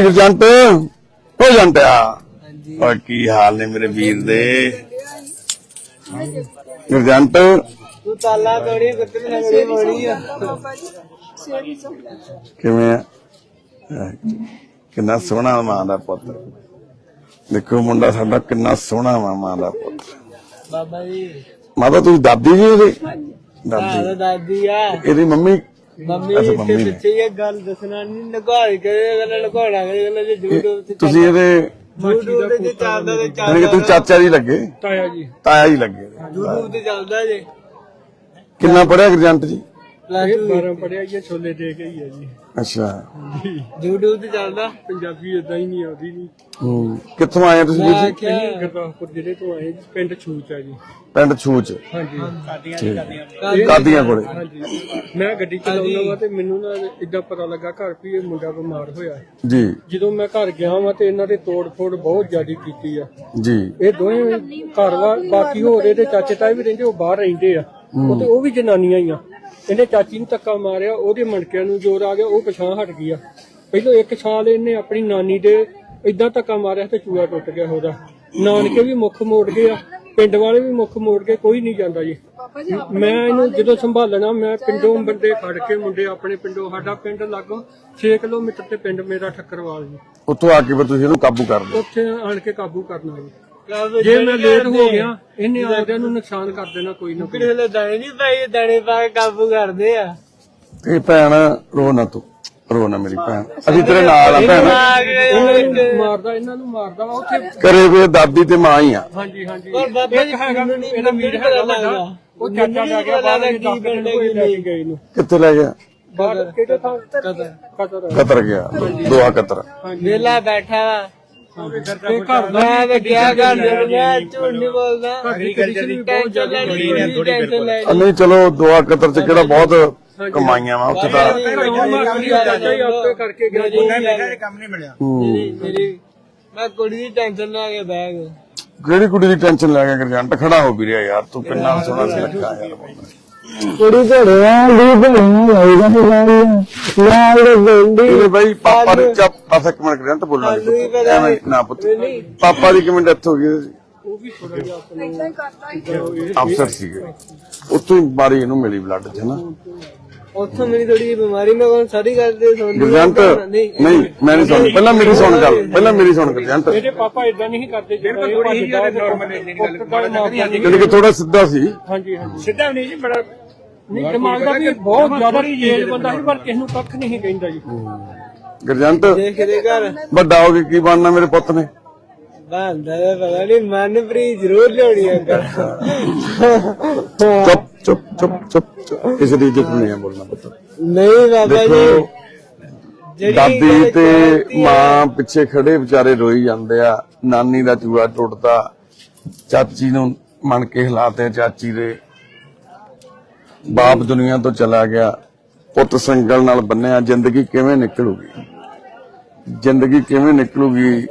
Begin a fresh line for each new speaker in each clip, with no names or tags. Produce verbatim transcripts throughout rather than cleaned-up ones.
गुरजंट हो जंटिया और की हाल ने मेरे वीर दे गुरजंट किवें किन्ना सोहना मां दा पुत्र देखो मुंडा साडा किन्ना सोहना वा मां दा पुत्र बाबा जी माता तुसी दादी जी ओदी दादी दादी आ एदी मम्मी मम्मी इत्थे पिछे ये गल दसना नहीं लुकाई के गल लुकाना के यूट्यूब ते तुसी एदे यूट्यूब ते चलदा ते चलदा तू चाचा जी लगे ताया जी ताया जी लगे यूट्यूब ते चलदा जे किन्ना पढ़िया गुरजंट जी बारह पढ़िया ये छोले दे के ही है जी अच्छा यूट्यूब ते चलदा पंजाबी इदां ही नहीं आउंदी नहीं हम्म कित्थों आए तुसी जी गुरदासपुर जिले तो आए पिंड छूच है जी पिंड छूच हां जी कादियां कादियां कोले हां जी मैं गड्डी चलाउंदा वा ते मेनू ना इदां पता लगा घर भी ये मुंडा बीमार होया जी ਜਦੋਂ ਮੈਂ ਘਰ ਗਿਆ ਵਾ ਤੇ ਇਹਨਾਂ ਦੇ ਤੋੜ ਫੋੜ ਬਹੁਤ ਜ਼ਿਆਦੀ ਕੀਤੀ ਆ ਜੀ ਇਹ ਦੋਵੇਂ ਘਰ ਵਾ ਬਾਕੀ ਹੋਰ ਇਹਦੇ ਚਾਚੇ ਤਾਏ ਵੀ ਰਹਿੰਦੇ ਉਹ ਬਾਹਰ ਰਹਿੰਦੇ ਆ ਉਹ ਤੇ ਉਹ ਵੀ ਜਨਾਨੀਆਂ ਹੀ ਆ ਇਹਨੇ ਚਾਚੀ ਨੂੰ ਧੱਕਾ ਮਾਰਿਆ ਉਹਦੇ ਮਣਕਿਆਂ ਨੂੰ ਜ਼ੋਰ ਆ ਗਿਆ ਉਹ ਪਛਾਣ ਹਟ ਗਿਆ ਪਹਿਲਾਂ ਇੱਕ ਸਾਲ ਇਹਨੇ ਆਪਣੀ ਨਾਨੀ ਦੇ ਇਦਾਂ ਧੱਕਾ ਮਾਰਿਆ ਤੇ ਚੂੜਾ ਟੁੱਟ ਗਿਆ ਉਹਦਾ ਨਾਨਕੇ ਵੀ ਮੁੱਖ ਮੋੜ ਗਏ ਆ ਪਿੰਡ ਵਾਲੇ ਵੀ ਮੁੱਖ ਮੋੜ ਕੇ ਕੋਈ ਨਹੀਂ ਜਾਂਦਾ ਜੀ ਮੈਂ ਇਹਨੂੰ ਜਦੋਂ ਸੰਭਾਲਣਾ ਮੈਂ ਪਿੰਡੋਂ ਬੰਦੇ ਫੜ ਕੇ ਮੁੰਡੇ ਆਪਣੇ ਪਿੰਡੋਂ ਸਾਡਾ ਪਿੰਡ ਲਾਗੋਂ ਛੇ ਕਿਲੋਮੀਟਰ ਤੇ ਪਿੰਡ ਮੇਰਾ ਠੱਕਰਵਾਲ ਜੀ ਉੱਥੋਂ ਆ ਕੇ ਫਿਰ ਤੁਸੀਂ ਇਹਨੂੰ ਕਾਬੂ ਕਰ ਲਓ ਉੱਥੇ ਆਣ ਕੇ ਕਾਬੂ ਕਰਨਾ ਜੀ ਜੇ ਮੈਂ ਲੇਟ ਹੋ ਗਿਆ ਇਹਨੇ ਆਦਿਆਂ ਨੂੰ ਨੁਕਸਾਨ ਕਰ ਦੇਣਾ ਕੋਈ ਨਾ ਕੋਈ ਦਾਣੇ ਨਹੀਂ ਪਾਈ ਦਾਣੇ ਪਾ ਕੇ ਕਾਬੂ ਕਰਦੇ ਆ ਇਹ ਭੈਣ ਰੋ ਨਾ ਤੂੰ ਰੋ ਨਾ ਮੇਰੀ ਭੈਣ ਅਸੀਂ ਤੇਰੇ ਨਾਲ ਆ ਭੈਣ ਮਾਰਦਾ ਇਹਨਾਂ ਨੂੰ ਮਾਰਦਾ ਵਾ ਉੱਥੇ ਕਰੇ ਵੇ ਦਾਦੀ ਤੇ ਮਾਂ ਹੀ ਆ ਹਾਂਜੀ ਹਾਂਜੀ ਪਰ ਬਾਬਾ ਜੀ ਇਹਦਾ ਵੀਰ ਹੈਗਾ ਲੱਗਦਾ ਉਹ ਚਾਚਾ ਲੈ ਗਿਆ ਬਾਹਰ ਕੀ ਪਿੰਡ ਲੈ ਕੇ ਗਏ ਨੂੰ ਕਿੱਥੇ ਲੈ ਗਿਆ ਬਾਹਰ ਕਿਹੜੇ ਥਾਂ ਕਤਰ ਕਤਰ ਕਤਰ ਗਿਆ ਦੋਹਾ ਕਤਰ ਵੇਲਾ ਬੈਠਾ ਵਾ ਮੈਂ ਤੇ ਕਿਹਾ ਕਰ ਮੈਂ ਝੂਠ ਨਹੀਂ ਬੋਲਦਾ ਨਹੀਂ ਚਲੋ ਦੋਆ ਕਤਰ ਚ ਕਿਹੜਾ ਬਹੁਤ ਕਮਾਈਆਂ ਵਾ ਉੱਥੇ ਤਾਂ ਕਰਕੇ ਕੰਮ ਨਹੀਂ ਮਿਲਿਆ ਮੈਂ ਕੁੜੀ ਦੀ ਟੈਨਸ਼ਨ ਲੈ ਕੇ ਬਹਿ ਗਿਆ ਕਿਹੜੀ ਕੁੜੀ ਦੀ ਟੈਨਸ਼ਨ ਲੈ ਕੇ ਗੁਰਜੰਟ ਖੜਾ ਹੋ ਵੀ ਰਿਹਾ ਯਾਰ ਤੂੰ ਕਿੰਨਾ ਸੋਹਣਾ ਸੀ ਲੱਗਾ ਯਾਰ ਕੁੜੀ ਘੜਿਆ ਦੀ ਬਣੀ ਭਾਈ ਪਾਪਾ ਦੇ ਚੱਪ ਪਾਸਾ ਕਮੈਂਟ ਕਰਿਆ ਤਾਂ ਬੋਲਣਾ ਐਵੇਂ ਨਾ ਪੁੱਤ ਪਾਪਾ ਦੀ ਕਿਵੇਂ ਡੈਥ ਹੋ ਗਈ ਉਹ ਵੀ ਥੋੜਾ ਜਿਹਾ ਅਫਸਰ ਸੀਗੇ ਉੱਥੋਂ ਹੀ ਬਿਮਾਰੀ ਇਹਨੂੰ ਮਿਲੀ ਬਲੱਡ ਚ ਨਾ ਉੱਥੋਂ ਮੇਰੀ ਥੋੜੀ ਬਿਮਾਰੀ ਮੈਂ ਕੋਲ ਸਾਰੀ ਗੱਲ ਤੇ ਸੁਣ ਗੁਰਜੰਟ ਨਹੀਂ ਮੈਂ ਨਹੀਂ ਸੁਣ ਪਹਿਲਾਂ ਮੇਰੀ ਸੁਣ ਗੱਲ ਪਹਿਲਾਂ ਮੇਰੀ ਸੁਣ ਗੁਰਜੰਟ ਇਹਦੇ ਪਾਪਾ ਇਦਾਂ ਨਹੀਂ ਕਰਦੇ ਜਿਹੜੀ ਕਿ ਥੋੜਾ ਸਿੱਧਾ ਸੀ ਹਾਂਜੀ ਹਾਂਜੀ ਸਿੱਧਾ ਨਹੀਂ ਜੀ ਬੜਾ ਨਹੀਂ ਦਿਮਾਗ ਦਾ ਵੀ ਬਹੁਤ ਜ਼ਿਆਦਾ ਤੇਜ਼ ਬੰਦਾ ਸੀ ਪਰ ਕਿਸ ਨੂੰ ਕੱਖ ਨਹੀਂ ਕਹਿੰਦਾ ਜੀ ਗੁਰਜੰਟ ਦੇਖਦੇ ਘਰ ਵੱਡਾ ਹੋ ਕੇ ਕੀ ਬਣਨਾ ਮੇਰੇ ਪੁੱਤ ਨੇ ਬੰਦਾ ਪਤਾ ਨਹੀਂ ਮਨਪ੍ਰੀਤ ਜ਼ਰੂਰ ਲਿਆਉਣੀ ਆ ਚੁੱਪ ਚੁੱਪ ਚੁੱਪ ਚੁੱਪ ਕਿਸੇ ਦੀ ਇੱਜ਼ਤ ਨਹੀਂ ਬੋਲਣਾ ਪੁੱਤ ਨਹੀਂ ਬਾਬਾ ਜੀ ਦਾਦੀ ਤੇ ਮਾਂ ਪਿੱਛੇ ਖੜੇ ਵਿਚਾਰੇ ਰੋਈ ਜਾਂਦੇ ਆ ਨਾਨੀ ਦਾ ਚੂੜਾ ਟੁੱਟਦਾ ਚਾਚੀ ਨੂੰ ਮਣ ਕੇ ਹਿਲਾਤੇ ਚਾਚੀ ਦੇ ਬਾਪ ਦੁਨੀਆ ਤੋਂ ਚਲਾ ਗਿਆ ਪੁੱਤ ਸੰਗਲ ਨਾਲ ਬੰਨਿਆ ਜ਼ਿੰਦਗੀ ਕਿਵੇਂ ਨਿਕਲੂਗੀ ਜ਼ਿੰਦਗੀ ਕਿਵੇਂ ਨਿਕਲੂਗੀ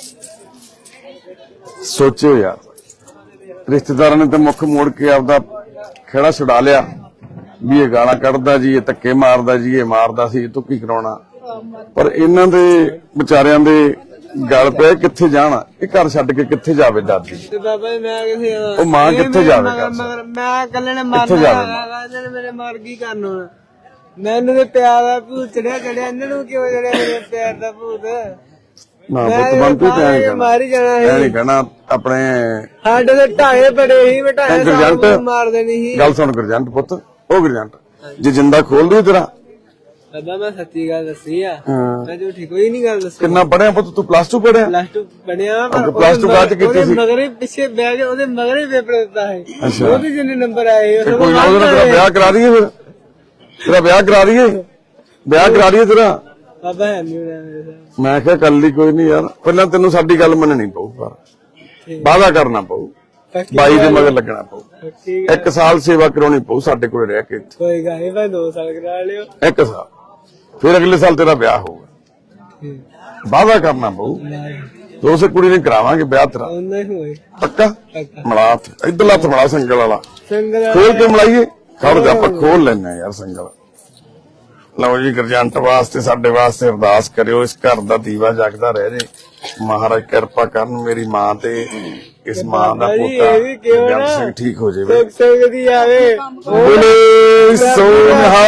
ਸੋਚੋ ਯਾਰ ਰਿਸ਼ਤੇਦਾਰਾਂ ਨੇ ਤਾਂ ਮੁੱਖ ਮੋੜ ਕੇ ਆਪਦਾ ਖੇੜਾ ਛੁਡਾ ਲਿਆ ਵੀ ਇਹ ਗਾਲਾਂ ਕੱਢਦਾ ਜੀ ਇਹ ਧੱਕੇ ਮਾਰਦਾ ਜੀ ਇਹ ਮਾਰਦਾ ਸੀ ਇਹ ਤੋਂ ਕੀ ਕਰਾਉਣਾ ਪਰ ਇਹਨਾਂ ਦੇ ਵਿਚਾਰਿਆਂ ਦੇ ਗੱਲ ਪਏ ਕਿੱਥੇ ਜਾਣਾ ਇਹ ਘਰ ਛੱਡ ਕੇ ਕਿੱਥੇ ਜਾਵੇ ਦਾਦੀ ਬਾਬਾ ਮੈਂ ਕਿੱਥੇ ਉਹ ਮਾਂ ਕਿੱਥੇ ਜਾਵੇ ਮੈਂ ਇਕੱਲੇ ਨੇ ਮਾਰਨਾ ਮੇਰੇ ਮਾਰ ਕੀ ਕਰਨਾ ਮੈਨੂੰ ਤੇ ਪਿਆਰ ਦਾ ਭੂਤ ਚੜਿਆ ਚੜਿਆ ਇਹਨਾਂ ਨੂੰ ਕਿਉਂ ਚੜਿਆ ਮੇਰੇ ਪਿਆਰ ਦਾ ਭੂਤ ਨਾ ਪੁੱਤ ਬੰਤੂ ਤੇ ਮਾਰੀ ਜਾਣਾ ਹੈ ਨਹੀਂ ਕਹਿਣਾ ਆਪਣੇ ਸਾਡੇ ਦੇ ਢਾਏ ਬੜੇ ਹੀ ਬਟਾਏ ਮਾਰ ਦੇਣੀ ਸੀ ਗੱਲ ਸੁਣ ਗੁਰਜੰਟ ਪੁੱਤ ਉਹ ਗੁਰਜੰਟ ਜੇ ਜਿੰਦਾ ਖੋਲ ਦੂ ਤੇਰਾ ਬਾਬਾ ਮੈਂ ਸੱਚੀ ਗੱਲ ਦੱਸੀ ਆ ਮੈਂ ਝੂਠੀ ਕੋਈ ਨਹੀਂ ਗੱਲ ਦੱਸੀ ਕਿੰਨਾ ਪੜਿਆ ਪੁੱਤ ਤੂੰ ਪਲੱਸ ਟੂ ਪੜਿਆ ਪਲੱਸ ਟੂ ਪੜਿਆ ਪਰ ਪਲੱਸ ਟੂ ਬਾਅਦ ਕੀਤੀ ਸੀ ਮਗਰੇ ਪਿੱਛੇ ਬਹਿ ਕੇ ਉਹਦੇ ਮਗਰੇ ਪੇਪਰ ਦਿੱਤਾ ਹੈ ਉਹਦੇ ਜਿੰਨੇ ਨੰਬਰ ਆਏ ਉਹ ਕੋਈ ਉਹਦਾ ਵਿਆਹ ਕਰਾ ਦਈਏ ਫਿਰ ਤੇਰਾ ਵਿਆਹ ਕਰਾ ਦਈਏ ਵਿਆਹ ਕਰਾ ਦਈਏ ਤੇਰਾ ਬਾਬਾ ਹੈ ਨਹੀਂ ਮੇਰੇ ਸਾਹ ਮੈਂ ਕਿਹਾ ਕੱਲ ਹੀ ਕੋਈ ਨਹੀਂ ਯਾਰ ਪਹਿਲਾਂ ਤੈਨੂੰ ਸਾਡੀ ਗੱਲ ਮੰਨਣੀ ਪਊ ਪਰ ਵਾਅਦਾ ਕਰਨਾ ਪਊ ਬਾਈ ਦੇ ਮਗਰ ਲੱਗਣਾ ਪਊ ਇੱਕ ਸਾਲ ਸੇਵਾ ਕਰਾਉਣੀ ਪਊ ਸਾਡੇ ਕੋਲ ਰਹਿ ਕੇ ਕੋਈ ਗੱਲ ਨਹੀਂ ਭਾਈ ਦੋ ਸਾਲ ਕਰਾ ਲਿਓ ਇੱਕ ਸਾਲ ਫਿਰ ਅਗਲੇ ਸਾਲ ਤੇਰਾ ਵਿਆਹ ਹੋਊਗਾ ਵਾਅਦਾ ਕਰਨਾ ਪਊ ਦੋਸੇ ਕੁੜੀ ਨੇ ਕਰਾਵਾਂਗੇ ਵਿਆਹ ਤੇਰਾ ਪੱਕਾ ਮਲਾ ਇੱਧਰ ਲੱਥ ਮਲਾ ਸੰਗਲ ਵਾਲਾ ਖੋਲ ਕੇ ਮਲਾਈਏ ਖੜ ਜਾ ਆਪਾਂ ਖੋਲ ਲੈਣਾ ਯਾਰ ਸੰਗਲ ਲਓ ਜੀ, ਗਰਜੰਟ ਵਾਸਤੇ ਸਾਡੇ ਵਾਸਤੇ ਅਰਦਾਸ ਕਰਿਓ, ਇਸ ਘਰ ਦਾ ਦੀਵਾ ਜਗਦਾ ਰਹਿ ਜੇ, ਮਹਾਰਾਜ ਕਿਰਪਾ ਕਰਨ ਮੇਰੀ ਮਾਂ ਤੇ ਇਸ ਮਾਂ ਦਾ ਪੋਤਾ ਗਰਜੰਟ ਸਿੰਘ ਠੀਕ ਹੋ ਜਾਵੇ।
ਸਕਦੀ ਆਵੇ
ਬੋਲੇ ਸੋਨਹਾ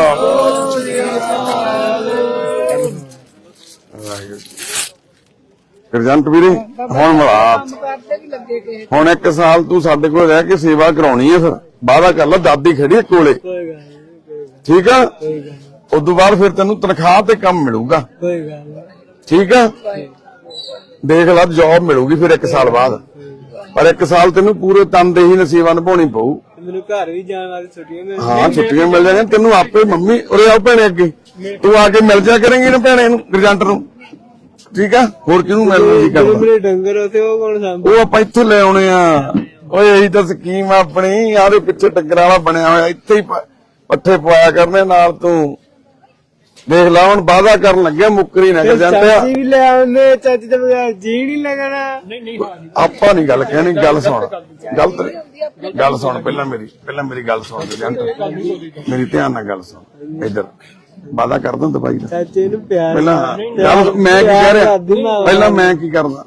ਗਰਜੰਟ ਵੀਰੇ, ਹੁਣ ਮਿਲਾ ਹੁਣ ਇੱਕ ਸਾਲ ਤੂੰ ਸਾਡੇ ਕੋਲ ਰਹਿ ਕੇ ਸੇਵਾ ਕਰਾਉਣੀ ਹੈ, ਫਿਰ ਵਾਅਦਾ ਕਰ ਲੈ, ਦਾਦੀ ਖੜੀ ਕੋਲੇ, ਠੀਕ ਆ? ਉਦੋਂ ਬਾਅਦ ਫਿਰ ਤੈਨੂੰ ਤਨਖਾਹ ਤੇ ਕੰਮ ਮਿਲੂਗਾ, ਠੀਕ ਆ? ਦੇਖ ਲੈ, ਜੌਬ ਮਿਲੂਗੀ ਫਿਰ ਇੱਕ ਸਾਲ ਬਾਅਦ, ਪਰ ਇੱਕ ਸਾਲ ਤੈਨੂੰ ਪੂਰੇ ਤਨਦੇਹੀ ਨਾਲ ਸੇਵਾ ਨਿਭਾਉਣੀ ਪਊ।
ਮੈਨੂੰ ਘਰ ਵੀ ਜਾਣ ਵਾਲੀ ਛੁੱਟੀਆਂ ਮਿਲ
ਹਾਂ, ਛੁੱਟੀਆਂ ਮਿਲ ਜਾਣੀਆਂ ਤੈਨੂੰ ਆਪੇ। ਮੰਮੀ ਉਰੇ ਆਓ ਭੈਣੇ, ਅੱਗੇ ਤੂੰ ਆ ਕੇ ਮਿਲ ਜਾ ਕਰੇਂਗੀ ਨਾ ਭੈਣੇ ਨੂੰ, ਗਰਜੰਟ ਨੂੰ, ਠੀਕ ਆ? ਹੋਰ ਕਿਹਨੂੰ ਮਿਲਣਾ ਜੀ ਕਰਦਾ?
ਮੇਰੇ ਡੰਗਰ ਉਥੇ ਉਹ ਕੌਣ ਸਾਂਭੂ?
ਉਹ ਆਪਾਂ ਇੱਥੇ ਲੈ ਆਉਣੇ ਆ। ਓਏ ਇਹੀ ਤਾਂ ਸਕੀਮ ਆ ਆਪਣੀ, ਆਦੇ ਪਿੱਛੇ ਡੰਗਰਾਂ ਵਾਲਾ ਬਣਿਆ ਹੋਇਆ, ਇੱਥੇ ਹੀ ਪੱਠੇ ਪਵਾਇਆ ਕਰਨੇ ਨਾਲ। ਤੂੰ ਦੇਖ ਲਾ, ਹੁਣ ਵਾਅਦਾ ਕਰਨ ਲੱਗਿਆ, ਮੁੱਕਰੀ ਨਾ ਗਰਜੰਟ।
ਚਾਚੀ ਵੀ ਲੈ ਆਉਂਦੇ, ਚਾਚੀ ਦੇ ਬਗੈਰ ਜੀ ਨਹੀਂ ਲੱਗਣਾ।
ਆਪਾਂ ਨੀ ਗੱਲ ਕਹਿਣੀ, ਗੱਲ ਸੁਣ, ਗਲਤ ਨੀ ਗੱਲ ਸੁਣ, ਪਹਿਲਾਂ ਮੇਰੀ ਪਹਿਲਾਂ ਮੇਰੀ ਗੱਲ ਸੁਣ ਗਰਜੰਟ, ਮੇਰੀ ਧਿਆਨ ਨਾਲ ਗੱਲ ਸੁਣ। ਇੱਧਰ ਵਾਅਦਾ ਕਰਦਾ ਦਵਾਈ ਦਾ,
ਚਾਚੇ ਨੂੰ ਪਿਆਰ
ਪਹਿਲਾਂ ਗੱਲ ਮੈਂ ਕੀ ਕਹਿ ਰਿਹਾ, ਪਹਿਲਾਂ ਮੈਂ ਕੀ ਕਰਦਾ?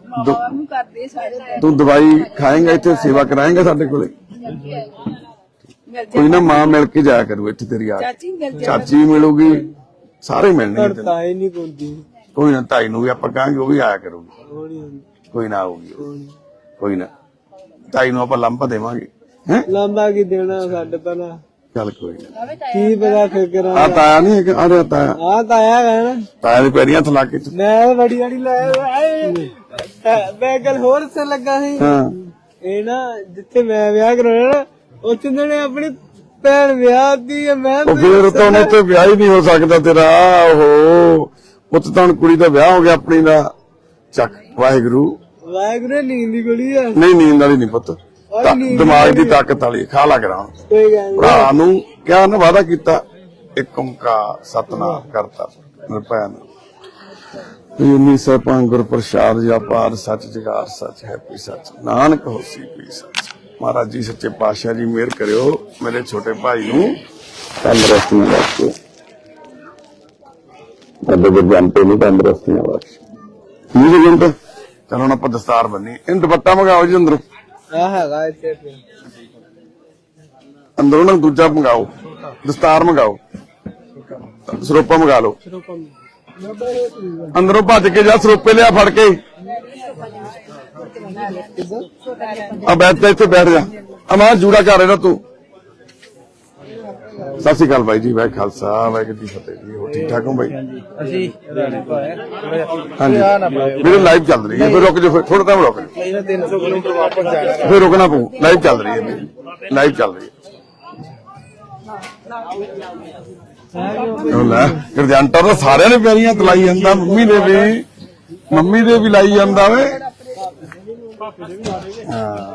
ਤੂੰ ਦਵਾਈ ਖਾਏਂਗਾ, ਇੱਥੇ ਸੇਵਾ ਕਰਾਏਂਗਾ ਸਾਡੇ ਕੋਲੇ, ਕੋਈ ਨਾ ਮਾਂ ਮਿਲ ਕੇ ਜਾਇਆ ਕਰੂ ਇੱਥੇ ਤੇਰੀ, ਆ ਚਾਚੀ ਮਿਲੂਗੀ, ਸਾਰੇ ਮਿਲਣਗੇ।
ਤਾਈ ਨਹੀਂ ਕੋਂਦੀ,
ਕੋਈ ਨਾ, ਤਾਈ ਨੂੰ ਵੀ ਆਪਾਂ ਕਹਾਂਗੇ, ਉਹ ਵੀ ਆਇਆ ਕਰੂਗੀ, ਕੋਈ ਨਾ ਆਊਗੀ, ਕੋਈ ਨਾ, ਤਾਈ ਨੂੰ ਆਪਾਂ ਲੰਬਾ ਦੇਵਾਂਗੇ। ਹੈ
ਲੰਬਾ ਕੀ ਦੇਣਾ ਸਾਡੇ ਪਹਿਲਾਂ,
ਚੱਲ ਕੋਈ ਨਾ,
ਕੀ ਪਤਾ ਫਿਰ ਕਰਾਂ।
ਆ ਤਾਇਆ ਨਹੀਂ ਹੈਗਾ, ਆ ਰਿਹਾ ਤਾਇਆ,
ਆ ਤਾਇਆ ਹੈ ਨਾ,
ਤਾਇਆ ਦੇ ਪੈਰੀਆਂ ਹੱਥ ਲਾ ਕੇ।
ਮੈਂ ਬੜੀ ਬੜੀ ਲਾਇਆ, ਮੈਂ ਗੱਲ ਹੋਰ ਸੇ ਲੱਗਾ ਸੀ।
ਹਾਂ,
ਇਹ ਨਾ ਜਿੱਥੇ ਮੈਂ ਵਿਆਹ ਕਰਾਉਣਾ, ਉੱਥੇ ਨੇ ਆਪਣੀ ਭੈਣ ਵਿਆਹ ਦੀ ਹੈ। ਮੈਂ
ਉਹ ਫਿਰ ਤਾਂ ਉਹਨੇ ਤੇ ਵਿਆਹ ਹੀ ਨਹੀਂ ਹੋ ਸਕਦਾ ਤੇਰਾ। ਓਹੋ, ਪੁੱਤ ਤਾਂ ਹੁਣ ਕੁੜੀ ਦਾ ਵਿਆਹ ਹੋ ਗਿਆ ਆਪਣੀ ਦਾ। ਚੱਕ, ਵਾਹਿਗੁਰੂ
ਵਾਹਿਗੁਰੂ ਨੀਂਦ ਦੀ ਗੋਲੀ ਆ।
ਨਹੀਂ, ਨੀਂਦ ਵਾਲੀ ਨਹੀਂ ਪੁੱਤ, ਦਿਮਾਗ ਦੀ ਤਾਕਤ ਵਾਲੀ, ਖਾ ਲਾ ਕਰਾਂ।
ਕੋਈ ਗੱਲ ਨੀ।
ਭਰਾ ਨੂੰ ਕਿਹਾ ਨਾ, ਵਾਅਦਾ ਕੀਤਾ, ਇੱਕ ਓੰਕਾਰ ਸਤਿਨਾਮ ਕਰਤਾ ਨਿਰਭੈਨ ਉਨੀ ਸੈਭੰ ਗੁਰ ਪ੍ਰਸਾਦ ਜਪਾਰ ਸੱਚ ਜੁਗਾਰ ਸੱਚ ਹੈ ਪੀ ਸੱਚ ਨਾਨਕ ਹੋਸੀ ਪੀ ਸੱਚ। ਮਹਾਰਾਜ ਜੀ ਸੱਚੇ ਪਾਤਸ਼ਾਹ ਜੀ ਮਿਹਰ ਕਰਿਓ ਮੇਰੇ ਛੋਟੇ ਭਾਈ ਨੂੰ ਤੰਦਰੁਸਤੀਆਂ ਬਖਸ਼ੋ, ਸਾਡੇ ਗਰਜੰਟੇ ਨੂੰ ਤੰਦਰੁਸਤੀਆਂ ਬਖਸ਼ੋ। ਠੀਕ ਹੈ ਜੰਟ, ਚਲੋ ਹੁਣ ਆਪਾਂ ਦਸਤਾਰ ਬੰਨੀ। ਇਹਨੂੰ ਦੁਪੱਟਾ ਮੰਗਾਓ ਜੀ ਅੰਦਰੋਂ,
ਆ ਹੈਗਾ ਇੱਥੇ
ਅੰਦਰੋਂ ਨਾ ਦੂਜਾ ਮੰਗਾਓ, ਦਸਤਾਰ ਮੰਗਾਓ, ਸਰੋਪਾ ਮੰਗਾ ਲਓ। ਅੰਦਰੋਂ ਭੱਜ ਕੇ ਜਾ, ਸਰੋਪੇ ਲਿਆ ਫੜ ਕੇ। ਆ ਬੈਠ, ਇੱਥੇ ਬੈਠ ਜਾ। ਅਮਾਂ ਜੂੜਾ ਕਰ ਰਿਹਾ ਤੂੰ। ਸਤਿ ਸ਼੍ਰੀ ਅਕਾਲ ਬਾਈ ਜੀ, ਵਾਹਿ ਖਾਲਸਾ ਵਾਹਿਗੁਰੂ ਜੀ ਫਤਿਹ ਜੀ। ਹੋ ਠੀਕ ਠਾਕ ਹੋ ਬਾਈ?
ਅਸੀਂ
ਹਾਂਜੀ, ਮੇਰੇ ਲਾਈਵ ਚੱਲ ਰਹੀ ਹੈ, ਫਿਰ ਰੁਕ ਜਾਓ, ਫਿਰ ਥੋੜਾ ਟਾਈਮ ਰੁਕ,
ਤਿੰਨ ਸੌ ਕਿਲੋਮੀਟਰ ਵਾਪਸ ਜਾਣਾ,
ਫਿਰ ਰੁਕਣਾ ਪਊ। ਲਾਈਵ ਚੱਲ ਰਹੀ ਹੈ ਮੇਰੀ, ਲਾਈਵ ਚੱਲ ਰਹੀ ਹੈ। ਲੈ ਗਰਜੰਟਾ ਤਾਂ ਸਾਰਿਆਂ ਨੇ ਪਿਆਰੀਆਂ ਤਲਾਈ ਜਾਂਦਾ, ਮੰਮੀ ਦੇ ਵੀ, ਮੰਮੀ ਦੇ ਵੀ ਲਾਈ ਜਾਂਦਾ ਵੇ। ਹਾਂ,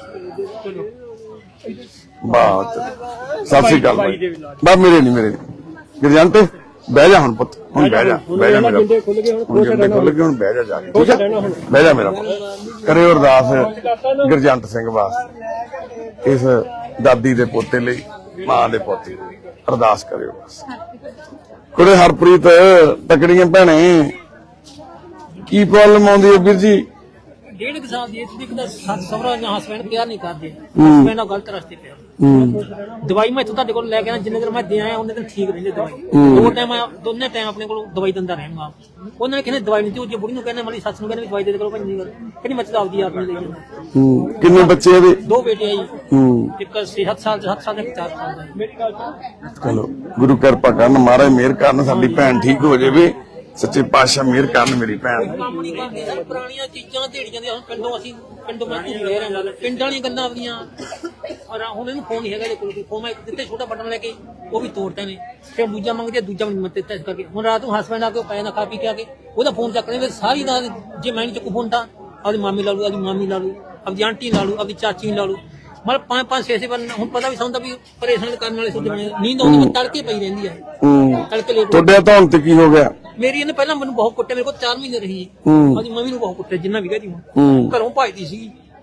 ਬਾਤ। ਸਤਿ ਸ਼੍ਰੀ ਅਕਾਲ ਬਾਈ। ਬਸ ਮੇਰੇ ਨਹੀਂ, ਮੇਰੇ ਨਹੀਂ ਗਰਜੰਟ, ਬਹਿ ਜਾ ਹੁਣ ਪੁੱਤ, ਹੁਣ ਬਹਿ ਜਾ, ਬਹਿ ਜਾ ਮੇਰਾ, ਹੁਣ ਖੁੱਲ ਗਏ, ਹੁਣ ਬਹਿ ਜਾ ਜਾ ਕੇ, ਠੀਕ ਹੈ? ਬਹਿ ਜਾ ਮੇਰਾ ਪੁੱਤ। ਕਰਿਓ ਅਰਦਾਸ ਗਰਜੰਟ ਸਿੰਘ ਵਾਸਤੇ, ਇਸ ਦਾਦੀ ਦੇ ਪੋਤੇ ਲਈ, ਮਾਂ ਦੇ ਪੋਤੇ ਲਈ ਅਰਦਾਸ ਕਰਿਓ ਬਸ। ਕੁੜੇ ਹਰਪ੍ਰੀਤ, ਤਕੜੀਆਂ ਭੈਣੇ, ਕੀ ਪ੍ਰੋਬਲਮ ਆਉਂਦੀ ਹੈ ਵੀਰ ਜੀ?
ਡੇਢ ਕੁ ਸਾਲ ਦੀ ਇੱਕ ਤਾਂ ਸਹੁਰਾ ਜਾਂ ਹਸਬੈਂਡ ਪਿਆਰ ਨਹੀਂ ਕਰਦੇ, ਹਸਬੈਂਡ ਨਾਲ ਗਲਤ ਰਸਤੇ ਪਿਆ। ਦਵਾਈ ਮੈਂ ਇੱਥੋਂ ਤੁਹਾਡੇ ਕੋਲ ਲੈ ਕੇ ਆਇਆ, ਜਿੰਨੇ ਦਿਨ ਮੈਂ ਦੇ ਆਇਆ ਉਹਨੇ ਦਿਨ ਠੀਕ ਰਹਿੰਦੇ ਦਵਾਈ। ਦੋ ਟਾਈਮ ਦੋਨੇ ਟਾਈਮ ਆਪਣੇ ਕੋਲ ਦਵਾਈ ਦਿੰਦਾ ਰਹਿਣਾ। ਉਹਨਾਂ ਨੇ ਕਹਿੰਦੇ ਦਵਾਈ ਨਹੀਂ ਦਿੱਤੀ, ਉਹ ਬੁੜੀ ਨੂੰ ਕਹਿੰਦੇ ਮੇਰੀ ਸੱਸ ਨੂੰ ਕਹਿੰਦੇ ਦਵਾਈ ਦੇ ਦੇ ਕਰੋ, ਭਾਈ ਕਹਿੰਦੀ ਮੈਂ ਤਾਂ ਆਪਦੀ ਆਪ ਨੂੰ ਲਈ ਜਾਂਦਾ।
ਕਿੰਨੇ ਬੱਚੇ ਇਹਦੇ?
ਦੋ ਬੇਟੇ ਆ ਜੀ, ਇੱਕ ਛੇ ਸੱਤ ਸਾਲ ਸੱਤ ਸਾਲ ਦੇ, ਚਾਰ ਸਾਲ ਦਾ। ਮੇਰੀ ਗੱਲ
ਚਲੋ ਗੁਰੂ ਕਿਰਪਾ ਕਰਨ, ਮਹਾਰਾਜ ਮਿਹਰ ਕਰਨ, ਸਾਡੀ ਭੈਣ ਠੀਕ ਹੋ ਜਾਵੇ, ਸੱਚੇ ਪਾਤਸ਼ਾਹ ਮਿਹਰ ਕਰਨ ਮੇਰੀ ਭੈਣ।
ਕੰਮ ਨਹੀਂ ਕਰਦੇ ਸਰ, ਪੁਰਾਣੀਆਂ ਚੀਜ਼ਾਂ ਢੇੜੀਆਂ ਦੀਆਂ। ਪਿੰਡੋਂ ਅਸੀਂ ਪਿੰਡੋਂ ਮੈਂ ਘੁੰਮ ਲੈ ਰਿਹਾ, ਪਿੰਡ ਵਾਲੀਆਂ ਗੱਲਾਂ ਆਪਣੀਆਂ। ਔਰ ਹੁਣ ਇਹਨੂੰ ਫੋਨ ਨਹੀਂ ਹੈਗਾ, ਇਹਦੇ ਕੋਲ ਫੋਨ ਮੈਂ ਦਿੱਤੇ ਛੋਟਾ ਬਟਨ ਲੈ ਕੇ, ਉਹ ਵੀ ਤੋੜਤੇ ਨੇ। ਫਿਰ ਦੂਜਾ ਮੰਗਦੇ, ਦੂਜਾ ਮੈਨੂੰ ਦਿੱਤਾ। ਇਸ ਕਰਕੇ ਹੁਣ ਰਾਤ ਨੂੰ ਹਸਬੈਂਡ ਆ ਕੇ ਪੈ ਨਾ ਖਾ ਪੀ ਕੇ ਆ ਕੇ ਉਹਦਾ ਫੋਨ ਚੱਕਣੇ ਫਿਰ ਸਾਰੀ ਰਾਤ। ਜੇ ਮੈਂ ਨਹੀਂ ਚੱਕੂ ਫੋਨ ਤਾਂ ਆਪਦੀ ਮਾਮੀ ਲਾ ਲੂ, ਆਪਦੀ ਮਾਮੀ ਲਾ ਲੂ, ਆਪਦੀ ਆਂਟੀ ਲਾ ਲੂ, ਆਪਦੀ ਚਾਚੀ ਲਾ ਲੂ। ਮਤਲਬ ਪੰਜ ਪੰਜ ਛੇ ਛੇ ਵਾਰ ਹੁਣ ਪਤਾ ਵੀ ਸਾਨੂੰ ਵੀ ਪਰੇਸ਼ਾਨ ਕਰਨ ਵਾਲੇ ਸੁੱਤੇ ਬਣੇ। ਨੀਂਦ ਆਉਂਦੀ ਮੈਂ ਤੜਕੇ ਪਈ ਰਹਿੰਦੀ ਹੈ, ਤੜਕੇ ਲੇਟ।
ਤੁਹਾਡੇ ਤਾਂ ਹੁਣ ਤੇ ਕੀ ਹੋ ਗਿਆ?
ਮੇਰੀ ਇਹਨੇ ਪਹਿਲਾਂ ਮੈਨੂੰ ਬਹੁਤ ਕੁੱਟਿਆ, ਮੇਰੇ ਕੋਲ ਚਾਰ ਮਹੀਨੇ ਰਹੀ। ਉਹਦੀ ਮੰਮੀ ਨੂੰ ਬਹੁਤ ਕੁੱਟਿਆ, ਜਿੰਨਾ ਵੀ ਕਹਦੀ ਹੁਣ ਘਰੋਂ ਭਾਜਦੀ ਸੀਗੀ।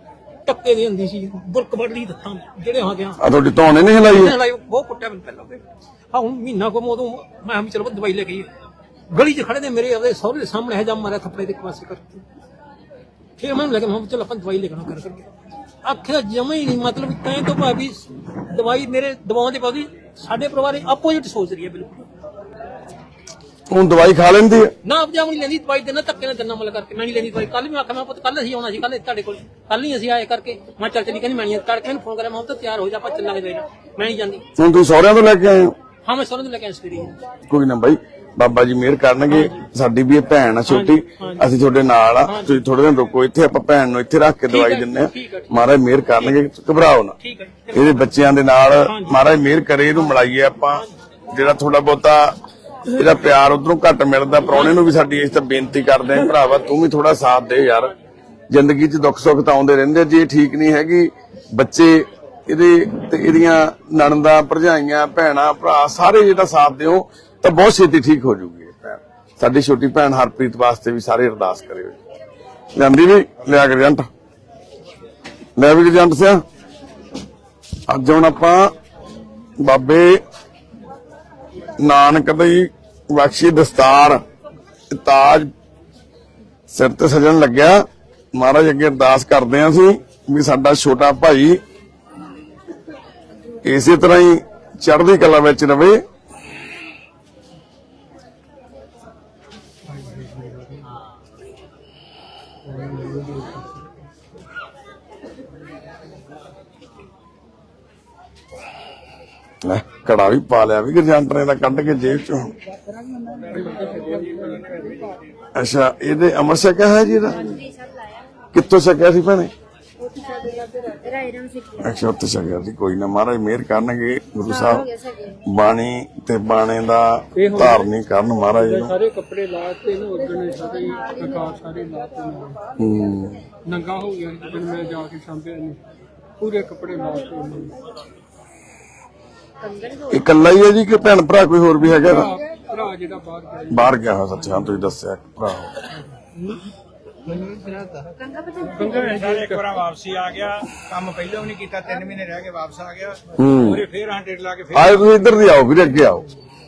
ਟੱਕੇ ਦੀ ਹੁੰਦੀ ਸੀ ਬੁਰਕ ਬੜਲੀ ਦੱਸਾਂ ਜਿਹੜੇ ਹਾਂ ਗਿਆ
ਆ ਤੁਹਾਡੀ ਧੌਣੇ ਨਹੀਂ ਹਿਲਾਈ
ਲਾਈ ਬਹੁਤ ਕੁੱਟਿਆ ਮੈਨੂੰ ਪਹਿਲਾਂ ਹਾਂ ਹੁਣ ਮਹੀਨਾ ਕੋ ਉਦੋਂ ਮੈਂ ਵੀ ਚਲੋ ਦਵਾਈ ਲੈ ਕੇ ਆਈ। ਗਲੀ 'ਚ ਖੜੇ ਨੇ ਮੇਰੇ ਉਹਦੇ ਸਹੁਰੇ ਦੇ ਸਾਹਮਣੇ ਹੈ ਜਾਂ ਮਾਰਿਆ ਥੱਪੜੇ ਦੇ ਇੱਕ ਪਾਸੇ ਕਰਕੇ ਫਿਰ ਮੈਂ ਲੈ ਕੇ ਮੈਂ ਚਲ ਆਪਾਂ ਦਵਾਈ ਲੈ ਕੇ ਕਰ ਕਰਕੇ ਆਖਿਆ ਜਮਾ ਹੀ ਨਹੀਂ ਮਤਲਬ ਤੈਂ ਤੋਂ ਭਾਵੇਂ ਦਵਾਈ ਮੇਰੇ ਦਵਾਉਣ ਦੇ ਬਾਅਦ ਸਾਡੇ ਪਰਿਵਾਰ ਆਪੋਜੀਟ ਸੋਚ ਰਹੀ ਹੈ ਬਿਲਕੁਲ।
ਹੁਣ ਦਵਾਈ ਖਾ ਲੈਂਦੀ ਹੈ
ਨਾ ਆਪਜਾ ਨਹੀਂ ਲੈਂਦੀ ਦਵਾਈ ਦੇਣਾ ਧੱਕੇ ਨਾਲ ਦੰਨਾ ਮਲ ਕਰਕੇ ਮੈਂ ਨਹੀਂ ਲੈਂਦੀ ਦਵਾਈ। ਕੱਲ ਮੈਂ ਆਖਿਆ ਮੈਂ ਪੁੱਤ ਕੱਲ ਅਸੀਂ ਆਉਣਾ ਸੀ ਕੱਲ ਤੁਹਾਡੇ ਕੋਲ ਕੱਲ ਨਹੀਂ ਅਸੀਂ ਆਏ ਕਰਕੇ ਮੈਂ ਚੱਲ ਚਲੀ ਕਹਿੰਦੀ ਮੈਂ ਨਹੀਂ ਤੜਕੇ ਮੈਨੂੰ ਫੋਨ ਕਰਿਆ ਮੈਂ ਤਾਂ ਤਿਆਰ ਹੋ ਜਾ ਆਪਾਂ ਚੱਲਾਂਗੇ ਦਵਾਈ ਨਾਲ ਮੈਂ ਨਹੀਂ ਜਾਂਦੀ।
ਹੁਣ ਤੁਸੀਂ ਸਹੁਰਿਆਂ ਤੋਂ ਲੈ ਕੇ ਆਏ ਹੋ?
ਹਾਂ ਮੈਂ ਸਹੁਰਿਆਂ ਤੋਂ ਲੈ ਕੇ ਆਇਆ ਸਵੇਰੇ।
ਕੋਈ ਨਾ ਬਾਈ ਬਾਬਾ ਜੀ ਮਿਹਰ ਕਰਨਗੇ। ਸਾਡੀ ਵੀ ਇਹ ਭੈਣ ਆ ਛੋਟੀ ਅਸੀਂ ਤੁਹਾਡੇ ਨਾਲ ਆ ਤੁਸੀਂ ਥੋੜੇ ਦਿਨ ਰੁਕੋ ਇੱਥੇ ਆਪਾਂ ਭੈਣ ਨੂੰ ਇੱਥੇ ਰੱਖ ਕੇ ਦਵਾਈ ਦਿੰਨੇ ਆ। ਮਹਾਰਾਜ ਮਿਹਰ ਕਰਨਗੇ ਘਬਰਾਓ ਨਾ ਇਹਦੇ ਬੱਚਿਆਂ ਦੇ ਨਾਲ ਮਹਾਰਾਜ ਮਿਹਰ ਕਰੇ ਇਹਨੂੰ ਮਿਲਾਈਏ ਆਪਾਂ ਜਿਹੜਾ ਥੋੜਾ ਬਹੁਤਾ ਇਹਦਾ ਪਿਆਰ ਉਧਰੋਂ ਘੱਟ ਮਿਲਦਾ। ਪ੍ਰਾਹੁਣੇ ਨੂੰ ਵੀ ਸਾਡੀ ਇਸ ਤਾਂ ਬੇਨਤੀ ਕਰਦੇ ਆ ਭਰਾਵਾ ਤੂੰ ਵੀ ਥੋੜਾ ਸਾਥ ਦੇ ਯਾਰ ਜ਼ਿੰਦਗੀ 'ਚ ਦੁੱਖ ਸੁੱਖ ਤਾਂ ਆਉਂਦੇ ਰਹਿੰਦੇ। ਜੇ ਠੀਕ ਨਹੀਂ ਹੈਗੀ ਬੱਚੇ ਇਹਦੇ ਤੇ ਇਹਦੀਆਂ ਨਣਦਾਂ ਭਰਜਾਈਆਂ ਭੈਣਾਂ ਭਰਾ ਸਾਰੇ ਜਿਹੜਾ ਸਾਥ ਦਿਓ ਤਾਂ ਬਹੁਤ ਛੇਤੀ ਠੀਕ ਹੋ ਜੂਗੀ ਭੈਣ। ਸਾਡੀ ਛੋਟੀ ਭੈਣ ਹਰਪ੍ਰੀਤ ਵਾਸਤੇ ਵੀ ਸਾਰੇ ਅਰਦਾਸ ਕਰਿਓ। ਜਾਂਦੀ ਵੀ ਲਿਆ ਕੇ ਏਜੰਟ ਲੈ ਵੀ ਏਜੰਟ ਸਿਆ ਅੱਜ ਹੁਣ ਆਪਾਂ ਬਾਬੇ ਨਾਨਕ ਦੀ ਬਖਸ਼ੀ ਦਸਤਾਰ ਤਾਜ ਸਿਰ ਤੇ ਸਜਣ ਲੱਗਿਆ। ਮਹਾਰਾਜ ਅੱਗੇ ਅਰਦਾਸ ਕਰਦੇ ਆਂ ਅਸੀਂ ਵੀ ਸਾਡਾ ਛੋਟਾ ਭਾਈ ਇਸੇ ਤਰ੍ਹਾਂ ਹੀ ਚੜ੍ਹਦੀ ਕਲਾ ਵਿੱਚ ਰਵੇ। ਲੈ ਕੜਾ ਵੀ ਪਾ ਲਿਆ ਵੀ ਗਰਜੰਟ ਨੇ ਦਾ ਕੱਢ ਕੇ ਜੇਬ ਚੋਂ। ਅੱਛਾ ਇਹਦੇ ਅਮਰ ਛਕਿਆ ਹੈ ਜੀ ਇਹਦਾ ਕਿੱਥੋਂ ਛਕਿਆ ਸੀ ਭੈਣੇ? ਅੱਛਾ ਉੱਥੇ ਛਕਿਆ ਸੀ। ਕੋਈ ਨਾ ਮਹਾਰਾਜ ਮਿਹਰ ਕਰਨਗੇ ਗੁਰੂ ਸਾਹਿਬ ਬਾਣੀ ਤੇ ਬਾਣੇ ਦਾ ਧਾਰਨੀ ਕਰਨ ਮਹਾਰਾਜ ਨੂੰ।
ਸਾਰੇ ਕੱਪੜੇ ਲਾ ਕੇ ਨਾ ਉਦੋਂ ਸਾਰੇ ਆਕਾਰ ਸਾਰੇ ਲਾ ਕੇ
ਹੂੰ
ਨੰਗਾ ਹੋ ਗਿਆ ਜਦੋਂ ਮੈਂ ਜਾ ਕੇ ਸਾਂਭਿਆ ਨਹੀਂ ਪੂਰੇ ਕੱਪੜੇ ਲਾ ਕੇ।
ਇਕੱਲਾ ਹੀ ਹੈ ਜੀ ਕਿ ਭੈਣ ਭਰਾ ਕੋਈ ਹੋਰ ਵੀ ਹੈਗਾ?
ਭਰਾ ਜਿਹੜਾ ਬਾਹਰ ਗਿਆ
ਬਾਹਰ ਗਿਆ ਹੋਇਆ ਸੱਚ ਹਾਂ ਤੁਸੀਂ ਦੱਸਿਆ ਭਰਾ।
ਇੱਕ ਵਾਰ ਵਾਪਸੀ ਆ ਗਿਆ ਕੰਮ ਪਹਿਲਾਂ ਵੀ ਨਹੀਂ ਕੀਤਾ ਤਿੰਨ ਮਹੀਨੇ ਰਹਿ ਕੇ ਵਾਪਸ ਆ ਗਿਆ
ਹੂੰ
ਉਹਦੇ ਫੇਰ ਹਾਂ ਡੇਟ ਲਾ ਕੇ ਫੇਰ
ਆਏ ਤੁਸੀਂ ਇੱਧਰ ਦੀ ਆਓ ਵੀਰੇ ਅੱਗੇ ਆਓ।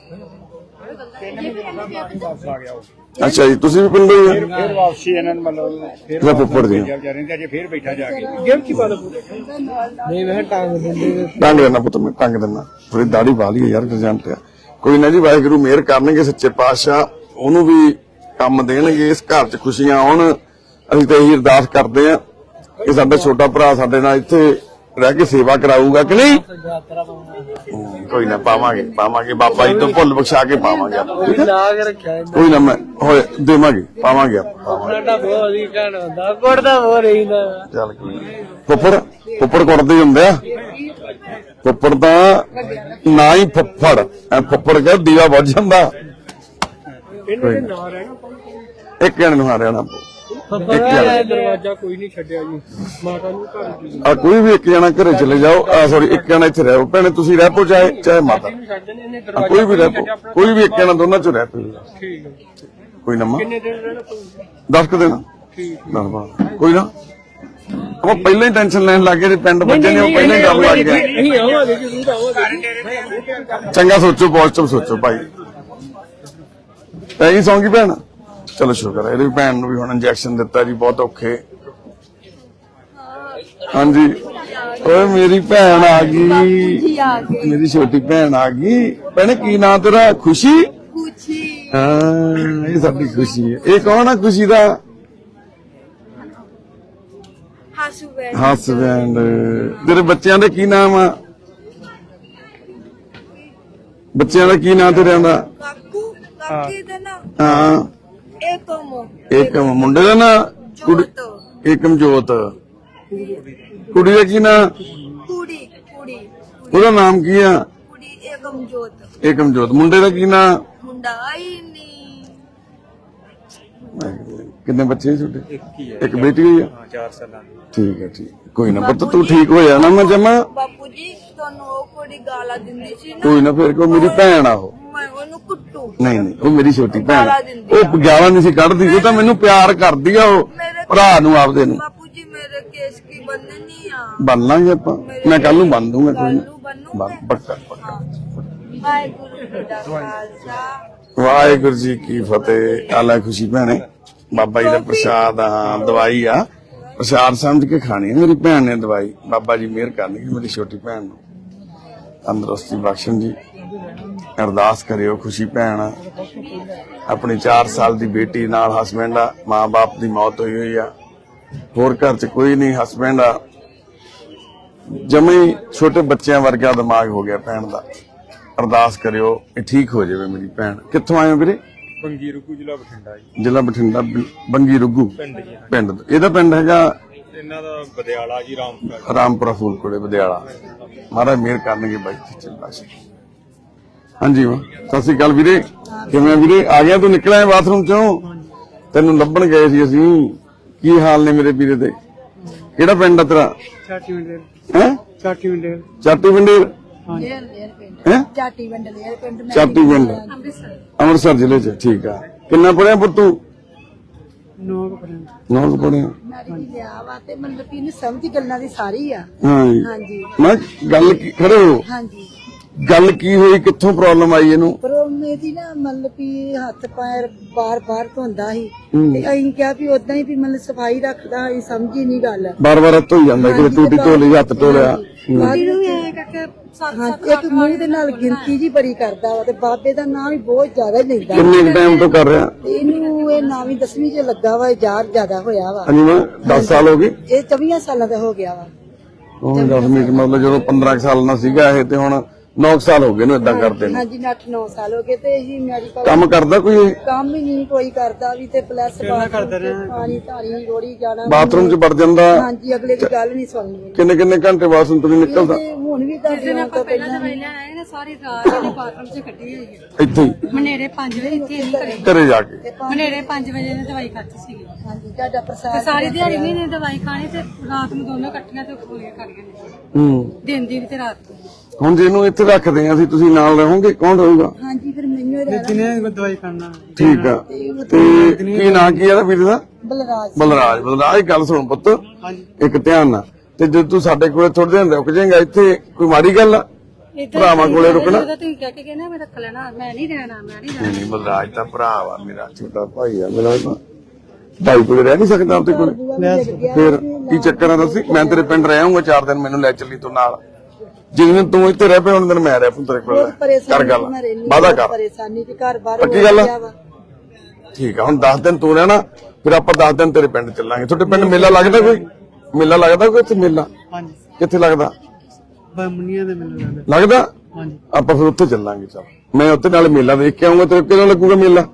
ਵਾਪਸ ਆ ਗਿਆ ਉਹ
ਅੱਛਾ ਜੀ ਤੁਸੀਂ ਵੀ ਪਿੰਡੋਂ ਹੀ ਆ?
ਫੇਰ ਵਾਪਸੀ ਇਹਨਾਂ ਨੂੰ ਮਤਲਬ ਫੇਰ
ਇਹਦਾ ਫੁੱਫੜ ਜੀ
ਵਿਚਾਰੇ ਨੇ ਅਜੇ ਫੇਰ ਬੈਠਾ ਜਾ ਕੇ
ਗੇਮ ਕੀ ਬਾਤ ਨਹੀਂ ਮੈਂ ਟਾਂਗ ਦਿੰਦੇ
ਟੰਗ ਦੇਣਾ ਪੁੱਤ ਮੈਂ ਟੰਗ ਦੇਣਾ ਥੋੜੀ ਦਾੜੀ ਪਾ ਲਈ ਯਾਰ ਗਰਜੰਟ ਆ। ਕੋਈ ਨਾ ਜੀ ਵਾਹਿਗੁਰੂ ਮਿਹਰ ਕਰਨਗੇ ਸੱਚੇ ਪਾਤਸ਼ਾਹ ਉਹਨੂੰ ਵੀ ਕੰਮ ਦੇਣਗੇ ਇਸ ਘਰ 'ਚ ਖੁਸ਼ੀਆਂ ਆਉਣ। ਅਸੀਂ ਤਾਂ ਇਹੀ ਅਰਦਾਸ ਕਰਦੇ ਆ ਕਿ ਸਾਡਾ ਛੋਟਾ ਭਰਾ ਸਾਡੇ ਨਾਲ ਇੱਥੇ ਰਹਿ ਕੇ ਸੇਵਾ ਕਰਾਊਗਾ ਕਿ ਨਹੀਂ। ਕੋਈ ਨਾ ਪਾਵਾਂਗੇ ਪਾਵਾਂਗੇ ਬਾਬਾ ਜੀ ਤੋਂ ਭੁੱਲ ਬਖਸ਼ਾ ਕੇ ਪਾਵਾਂਗੇ ਆਪਾਂ ਠੀਕ ਹੈ?
ਲਾ ਕੇ ਰੱਖਿਆ
ਕੋਈ ਨਾ ਮੈਂ ਹੋਏ ਦੇਵਾਂਗੇ ਪਾਵਾਂਗੇ ਆਪਾਂ
ਸਾਡਾ ਬਹੁਤ ਹੀ ਕਹਿਣ ਹੁੰਦਾ ਕੁੜਦਾ ਹੋ ਰਹੀ ਨਾ
ਚੱਲ ਕੋਈ ਫੁੱਫੜ ਫੁੱਫੜ ਕੁੱਟਦੇ ਹੁੰਦੇ ਆ। ਫੁੱਫੜ ਤਾਂ ਨਾ ਹੀ ਫੁੱਫੜ ਐ ਫੁੱਫੜ ਕੇ ਦੀਵਾ ਬੁੱਝ ਜਾਂਦਾ।
ਇਹਨਾਂ ਦੇ ਨਾਂ ਰਹਿਣਾ
ਇੱਕ ਜਣੇ ਨੂੰ ਹਾਰਿਆ ਨਾ
ਦਰਵਾਜ਼ਾ ਕੋਈ ਨਹੀਂ ਛੱਡਿਆ ਜੀ ਮਾਤਾ ਨੂੰ ਘਰ ਦੀ
ਆ ਕੋਈ ਵੀ ਇੱਕ ਜਣਾ ਘਰੇ ਚਲੇ ਜਾਓ ਸੌਰੀ ਇੱਕ ਜਣਾ ਇੱਥੇ ਰਹੋ ਭੈਣੇ ਤੁਸੀਂ ਰਹਿ ਪੋ ਚਾਹੇ ਚਾਹੇ ਮਾਤਾ
ਛੱਡ ਦੇਣੇ ਇਹਨੇ
ਆ, ਕੋਈ ਵੀ ਰਹਿ ਪੋ ਕੋਈ ਵੀ ਇੱਕ ਜਣਾ ਦੋਨਾਂ ਚੋਂ ਰਹਿ ਪੋ
ਠੀਕ ਹੈ
ਕੋਈ ਨਾ ਮਾਂ
ਕਿੰਨੇ ਦਿਨ ਰਹਿਣਾ ਪਊਗਾ
ਦਸ ਕੁ ਦਿਨ
ਠੀਕ
ਦਸ ਬਾਰਾਂ ਕੋਈ ਨਾ ਆਪਾਂ ਪਹਿਲਾਂ ਹੀ ਟੈਨਸ਼ਨ ਲੈਣ ਲੱਗ ਗਏ ਜੇ ਪਿੰਡ ਬੱਚੇ ਨੇ ਉਹ ਪਹਿਲਾਂ ਹੀ ਡਰ ਲੱਗ ਗਿਆ।
ਨਹੀਂ ਆਵਾਂਗੇ ਜ਼ਰੂਰ ਆਵਾਂਗੇ
ਚੰਗਾ ਸੋਚੋ ਪੋਜ਼ਿਟਿਵ ਸੋਚੋ ਭਾਈ। ਪੈ ਗਈ ਸੌਂਗੀ ਭੈਣ ਚਲੋ ਸ਼ੁਕਰ ਹੈ ਇਹਦੀ ਭੈਣ ਨੂੰ ਵੀ ਹੁਣ ਇੰਜੈਕਸ਼ਨ ਦਿੱਤਾ ਜੀ ਬਹੁਤ ਔਖੇ। ਹਾਂਜੀ ਓਏ ਮੇਰੀ ਭੈਣ ਆ ਗਈ ਮੇਰੀ ਛੋਟੀ ਭੈਣ ਆ ਗਈ। ਭੈਣੇ ਕੀ ਨਾਂ ਤੇਰਾ? ਖੁਸ਼ੀ।
ਖੁਸ਼ੀ
ਹਾਂ ਇਹ ਸਾਡੀ ਖੁਸ਼ੀ ਹੈ। ਇਹ ਕੌਣ ਆ ਖੁਸ਼ੀ ਦਾ?
Husband
husband. ਤੇਰੇ ਬੱਚਿਆਂ ਦੇ ਕੀ ਨਾਮ ਆ? ਬੱਚਿਆਂ ਦਾ ਕੀ ਨਾਂ ਤੇਰਿਆਂ ਦਾ?
ਕਾਕੂ ਕਾਕੇ ਦਾ ਨਾ
ਹਾਂ
ਏਕਮ
ਇੱਕ ਮੁੰਡੇ ਦਾ ਨਾਂ ਕੁੜੀ
ਜੋਤ
ਏਕਮਜੋਤ। ਕੁੜੀ ਦਾ ਕੀ ਨਾਂ?
ਕੁੜੀ ਕੁੜੀ
ਉਹਦਾ ਨਾਮ ਕੀ ਆ?
ਕੁੜੀ ਏਕਮ ਜੋਤ
ਏਕਮਜੋਤ। ਮੁੰਡੇ ਦਾ ਕੀ ਨਾਂ?
ਮੁੰਡਾ ਆਈ ਨਹੀਂ
ਕਿੰਨੇ ਬੱਚੇ ਛੋਟੇ? ਇੱਕ ਹੀ ਹੈ। ਇੱਕ ਬੇਟੀ ਹੋਈ ਆ?
ਹਾਂ ਚਾਰ ਸਾਲਾਂ ਦੀ
ਠੀਕ ਹੈ ਠੀਕ ਕੋਈ ਨਾ ਪੁੱਤ ਤੂੰ ਠੀਕ ਹੋ ਜਾਣਾ ਮੈਂ ਜਮਾ।
ਬਾਪੂ ਜੀ ਤੁਹਾਨੂੰ ਉਹ ਕੁੜੀ ਗਾਲਾਂ ਦਿੰਦੀ ਸੀ ਨਾ
ਕੋਈ ਨਾ ਫਿਰ ਕੋ ਮੇਰੀ ਭੈਣ ਆ ਉਹ।
ਮੈਂ ਉਹਨੂੰ ਕੁੱਟੂ
ਨਹੀਂ ਨਹੀਂ ਉਹ ਮੇਰੀ ਛੋਟੀ ਭੈਣ ਆ।
ਗਾਲਾਂ ਦਿੰਦੀ
ਉਹ ਗਾਲਾਂ ਨਹੀਂ ਸੀ ਕੱਢਦੀ ਉਹ ਤਾਂ ਮੈਨੂੰ ਪਿਆਰ ਕਰਦੀ ਆ ਉਹ ਭਰਾ ਨੂੰ ਆਪਦੇ ਨੂੰ।
ਬਾਪੂ ਜੀ ਮੇਰੇ ਕੇਸ ਕੀ ਬੰਨਣੀ ਆ
ਬੰਨ ਲਾਂਗੇ ਆਪਾਂ ਮੈਂ ਕੱਲ ਨੂੰ ਬੰਨ ਦੂੰਗਾ ਕੋਈ
ਕੱਲ
ਨਾ
ਨੂੰ ਬੰਨੂ
ਬੰਨ ਪੱਕਾ ਪੱਕਾ
ਵਾਹਿਗੁਰੂ ਜੀ ਦਾ ਖਾਲਸਾ
ਵਾਹਿਗੁਰੂ ਜੀ ਕੀ ਫਤਿਹ। ਆਲਾ ਖੁਸ਼ੀ ਭੈਣੇ ਬਾਬਾ ਜੀ ਦਾ ਪ੍ਰਸ਼ਾਦ ਆ ਦਵਾਈ ਆ ਪ੍ਰਸ਼ਾਦ ਸਮਝ ਕੇ ਖਾਣੀ ਆ। ਮੇਰੀ ਭੈਣ ਨੇ ਦਵਾਈ ਬਾਬਾ ਜੀ ਮਿਹਰ ਕਰਨਗੇ ਮੇਰੀ ਛੋਟੀ ਭੈਣ ਨੂੰ ਤੰਦਰੁਸਤੀ ਬਖਸ਼ਣ ਜੀ। ਅਰਦਾਸ ਕਰਿਓ ਖੁਸ਼ੀ ਭੈਣ ਆ, ਆਪਣੀ ਚਾਰ ਸਾਲ ਦੀ ਬੇਟੀ ਨਾਲ ਹਸਬੈਂਡ ਆ, ਮਾਂ ਬਾਪ ਦੀ ਮੌਤ ਹੋਈ ਹੋਈ ਆ, ਹੋਰ ਘਰ ਚ ਕੋਈ ਨਹੀਂ, ਹਸਬੈਂਡ ਆ, ਜਮੇ ਛੋਟੇ ਬੱਚਿਆਂ ਵਰਗਾ ਦਿਮਾਗ ਹੋ ਗਿਆ ਭੈਣ ਦਾ। ਅਰਦਾਸ ਕਰਿਓ ਇਹ ਠੀਕ ਹੋ ਜਾਵੇ ਮੇਰੀ ਭੈਣ। ਕਿੱਥੋਂ ਆਏ ਹੋ ਵੀਰੇ?
ਬੰਗੀ ਰੁਕੂ ਜ਼ਿਲ੍ਹਾ ਬਠਿੰਡਾ ਜੀ।
ਜ਼ਿਲ੍ਹਾ ਬਠਿੰਡਾ ਬ- ਬੰਗੀ ਰੁੱਗੂ
ਪਿੰਡ ਜੀ
ਪਿੰਡ ਇਹਦਾ ਪਿੰਡ ਹੈਗਾ
ਇਹਨਾਂ ਦਾ ਬਦਿਆਲਾ ਜੀ ਰਾਮਪੁਰਾ।
ਰਾਮਪੁਰਾ ਫੂਲਕੋੜੇ ਬਦਿਆਲਾ। ਮਹਾਰਾਜ ਮਿਹਰ ਕਰਨਗੇ ਬਾਈ ਚੱਲਾ ਸੀ। ਹਾਂਜੀ ਮਾਂ ਸਤਿ ਸ੍ਰੀ ਅਕਾਲ ਵੀਰੇ, ਕਿਵੇਂ ਆ ਵੀਰੇ? ਆ ਗਿਆ ਤੂੰ ਨਿਕਲਿਆ ਬਾਥਰੂਮ ਚੋਂ? ਤੈਨੂੰ ਲੱਭਣ ਗਏ ਸੀ ਅਸੀਂ। ਕੀ ਹਾਲ ਨੇ ਮੇਰੇ ਵੀਰੇ ਦੇ? ਕਿਹੜਾ ਪਿੰਡ ਆ ਤੇਰਾ?
ਚਾਟੀ ਮੰਡੇਰ
ਹੈ
ਚਾਟੀ ਮੰਡੇਰ
ਚਾਟੀ ਪਿੰਡੇਰ
ਲੇਰ ਲੇਰ ਪਿੰਡ
ਹੈ
ਚਾਟੀ ਪਿੰਡ ਲੇਰ ਪਿੰਡ ਮੈਂ
ਚਾਟੀ ਪਿੰਡ ਅੰਮ੍ਰਿਤਸਰ ਜ਼ਿਲ੍ਹੇ ਚ। ਠੀਕ ਆ। ਕਿੰਨਾ ਪੜਿਆ ਪੁੱਤ ਤੂੰ?
ਨੌ ਕੁ ਪੜ੍ਹੇ।
ਨੌ ਕੁ ਪੜਿਆ।
ਮੈਰਿਜ ਲਿਆ ਵਾ ਤੇ ਮਤਲਬ ਕਿ ਇਹਨੂੰ ਸਮਝ ਗੱਲਾਂ ਦੀ ਸਾਰੀ ਆ
ਹਾਂ ਜੀ।
ਹਾਂਜੀ
ਮੈਂ ਗੱਲ ਕੀ ਖੜੇ ਹੋ
ਹਾਂਜੀ
ਗੱਲ ਕੀ ਹੋਈ? ਕਿੱਥੋਂ ਪ੍ਰੋਬਲਮ ਆਈ ਇਹਨੂੰ?
ਪਰ ਉਹਨੇ ਦੀ ਨਾ ਮਤਲਬ ਕਿ ਹੱਥ ਪੈਰ ਬਾਰ ਬਾਰ ਧੋਂਦਾ ਸੀ ਤੇ ਅਸੀਂ ਕਿਹਾ ਵੀ ਉਦਾਂ ਹੀ ਵੀ ਮਤਲਬ ਸਫਾਈ ਰੱਖਦਾ ਅਸੀਂ ਸਮਝੀ ਨਹੀਂ ਗੱਲ
ਬਾਰ ਬਾਰ ਹੱਥ ਧੋਈ ਜਾਂਦਾ ਕਿ ਟੂਟੀ ਧੋ ਲਈ, ਹੱਥ ਧੋ ਲਿਆ।
ਬਾਕੀ ਨੂੰ ਇਹ ਕਰਕੇ ਹਾਂ ਇੱਕ ਮੂੰਹ ਦੇ ਨਾਲ ਗਿਣਤੀ ਜੀ ਬੜੀ ਕਰਦਾ ਵਾ ਤੇ ਬਾਬੇ ਦਾ ਨਾਮ ਵੀ ਬਹੁਤ ਜ਼ਿਆਦਾ ਹੀ ਲੈਂਦਾ
ਕਿੰਨੇ ਟਾਈਮ ਤੋਂ ਕਰ ਰਿਹਾ?
ਇਹਨੂੰ ਇਹ ਨੌਵੀਂ ਦਸਵੀਂ ਚ ਲੱਗਾ ਵਾ ਯਾਰ ਜ਼ਿਆਦਾ ਹੋਇਆ ਵਾ
ਹਾਂਜੀ ਮੈਂ ਦਸ ਸਾਲ ਹੋ ਗਏ।
ਇਹ ਚੌਵੀ ਸਾਲਾਂ ਦਾ ਹੋ ਗਿਆ ਵਾ
ਹੁਣ ਦਸ ਮਿੰਟ ਮਤਲਬ ਜਦੋਂ ਪੰਦਰਾਂ ਕੁ ਸਾਲ ਦਾ ਸੀਗਾ ਇਹ ਤੇ ਹੁਣ ਨੌ ਸਾਲ ਹੋ ਗਏ ਨੂੰ ਇਦਾਂ ਕਰਦੇ ਨੇ।
ਹਾਂਜੀ ਅੱਠ ਨੌ ਸਾਲ ਹੋ ਗਏ ਤੇ ਇਹੀ ਮੈਡੀਕਲ
ਕੰਮ ਕਰਦਾ ਕੋਈ ਇਹ?
ਕੰਮ ਹੀ ਨਹੀਂ ਕੋਈ ਕਰਦਾ ਵੀ ਤੇ ਪਲੱਸ ਪਾਣੀ ਧਾਰੀ ਰੋੜੀ ਜਾਣਾ
ਬਾਥਰੂਮ 'ਚ ਵੜ ਜਾਂਦਾ?
ਹਾਂਜੀ ਅਗਲੇ ਦੀ ਗੱਲ ਨਹੀਂ ਸੁਣਨੀ
ਕਿੰਨੇ ਕਿੰਨੇ ਘੰਟੇ ਬਾਥਰੂਮ ਤੋਂ ਨੀ ਨਿਕਲਦਾ?
ਤੇ ਹੁਣ ਵੀ ਤੁਹਾਡੇ ਨਾਲ ਤੋਂ ਪਹਿਲਾਂ ਵੀ
ਸਾਰੀ ਰਾਤ ਇਹਨੇ ਬਾਥਰੂਮ 'ਚ ਕੱਢੀ ਹੋਈ ਹੈ।
ਇੱਥੇ ਹੀ
ਮਨੇਰੇ ਪੰਜ ਵਜੇ ਇੱਥੇ ਨਹੀਂ ਕਰੇ
ਘਰੇ ਜਾ ਕੇ?
ਮਨੇਰੇ ਪੰਜ ਵਜੇ ਨੇ ਦਵਾਈ ਖਾਧੀ ਸੀਗੀ
ਹਾਂਜੀ ਤੁਹਾਡਾ
ਤੇ
ਪ੍ਰਸਾਦ
ਸਾਰੀ ਦਿਹਾੜੀ ਵੀ ਇਹਨੇ ਦਵਾਈ ਖਾਣੀ ਤੇ ਰਾਤ ਨੂੰ ਦੋਨੋਂ ਇਕੱਠੀਆਂ ਤੇ ਗੋਲੀਆਂ ਖਾਣੀਆਂ ਨੇ
ਹੂੰ।
ਦਿਨ ਦੀ ਵੀ ਤੇ ਰਾਤ ਦੀ।
ਹੁਣ ਜਿਹਨੂੰ ਇੱਥੇ ਰੱਖਦੇ ਆ ਅਸੀਂ, ਤੁਸੀਂ ਨਾਲ ਰਹੋਗੇ? ਕੌਣ ਰਹੂਗਾ?
ਹਾਂਜੀ ਫਿਰ ਮੈਨੂੰ ਇਹ ਰਹਿਣਾ
ਜਿਹਨੇ ਦਵਾਈ ਖਾਣਾ
ਠੀਕ ਆ। ਤੇ ਕੀ ਨਾਂ ਕੀ ਆ ਵੀਰ ਦਾ?
ਬਲਰਾਜ
ਬਲਰਾਜ। ਬਲਰਾਜ ਗੱਲ ਸੁਣ ਪੁੱਤ ਇੱਕ ਧਿਆਨ ਨਾਲ, ਤੇ ਜੇ ਤੂੰ ਸਾਡੇ ਕੋਲੇ ਥੋੜੇ ਦਿਨ ਰੁਕ ਜਾਏਗਾ ਇੱਥੇ ਕੋਈ ਮਾੜੀ ਗੱਲ ਆ? ਭਰਾਵਾਂ ਕੋਲੇ ਰੁਕਣਾ?
ਤੁਸੀਂ ਕਹਿ ਕੇ ਗਏ ਨਾ ਮੈਂ ਰੱਖ ਲੈਣਾ, ਮੈਂ ਨਹੀਂ ਰਹਿਣਾ ਮੈਂ ਨਹੀਂ ਰਹਿਣਾ।
ਨਹੀਂ ਨਹੀਂ ਬਲਰਾਜ ਤਾਂ ਭਰਾ ਵਾ ਮੇਰਾ, ਛੋਟਾ ਭਾਈ ਆ ਮੇਰਾ। ਤਾਂ ਭਾਈ ਕੋਲੇ ਰਹਿ ਨਹੀਂ ਸਕਦਾ ਆਪਦੇ ਕੋਲੇ? ਫਿਰ ਕੀ ਚੱਕਰ ਆ ਦੱਸੀ? ਮੈਂ ਤੇਰੇ ਪਿੰਡ ਰਹਿ ਆਉਂਗਾ ਚਾਰ ਦਿਨ, ਮੈਨੂੰ ਲੈ ਚੱਲੀ ਤੂੰ ਨਾਲ। ਜਿਸ ਦਿਨ ਤੂੰ ਇੱਥੇ ਰਹਿ ਪਿਆ ਹੁਣ ਦਿਨ ਮੈਂ ਰਹਿ ਪੂੰ ਤੇਰੇ ਕੋਲ। ਕਰ ਗੱਲ, ਵਾਦਾ ਕਰ।
ਪਰੇਸ਼ਾਨੀ ਤੇ ਘਰ ਬਾਹਰ
ਪੱਕੀ ਗੱਲ ਆ? ਠੀਕ ਆ। ਹੁਣ ਦਸ ਦਿਨ ਤੂੰ ਰਹਿਣਾ, ਫਿਰ ਆਪਾਂ ਦਸ ਦਿਨ ਤੇਰੇ ਪਿੰਡ ਚੱਲਾਂਗੇ। ਤੁਹਾਡੇ ਪਿੰਡ ਮੇਲਾ ਲੱਗਦਾ ਕੋਈ? ਮੇਲਾ ਲੱਗਦਾ ਕੋਈ ਇੱਥੇ ਮੇਲਾ?
ਹਾਂਜੀ
ਕਿੱਥੇ ਲੱਗਦਾ?
ਬੰਮਣੀਆਂ ਦੇ ਮੈਨੂੰ ਲੱਗਦਾ।
ਲੱਗਦਾ?
ਹਾਂਜੀ
ਆਪਾਂ ਫਿਰ ਉੱਥੇ ਚੱਲਾਂਗੇ। ਚੱਲ ਮੈਂ ਉੱਥੇ ਨਾਲ ਮੇਲਾ ਦੇਖ ਕੇ ਆਉਂਗਾ। ਤੇਰੇ ਕਿਹੜਾ ਲੱਗੂਗਾ ਮੇਲਾ?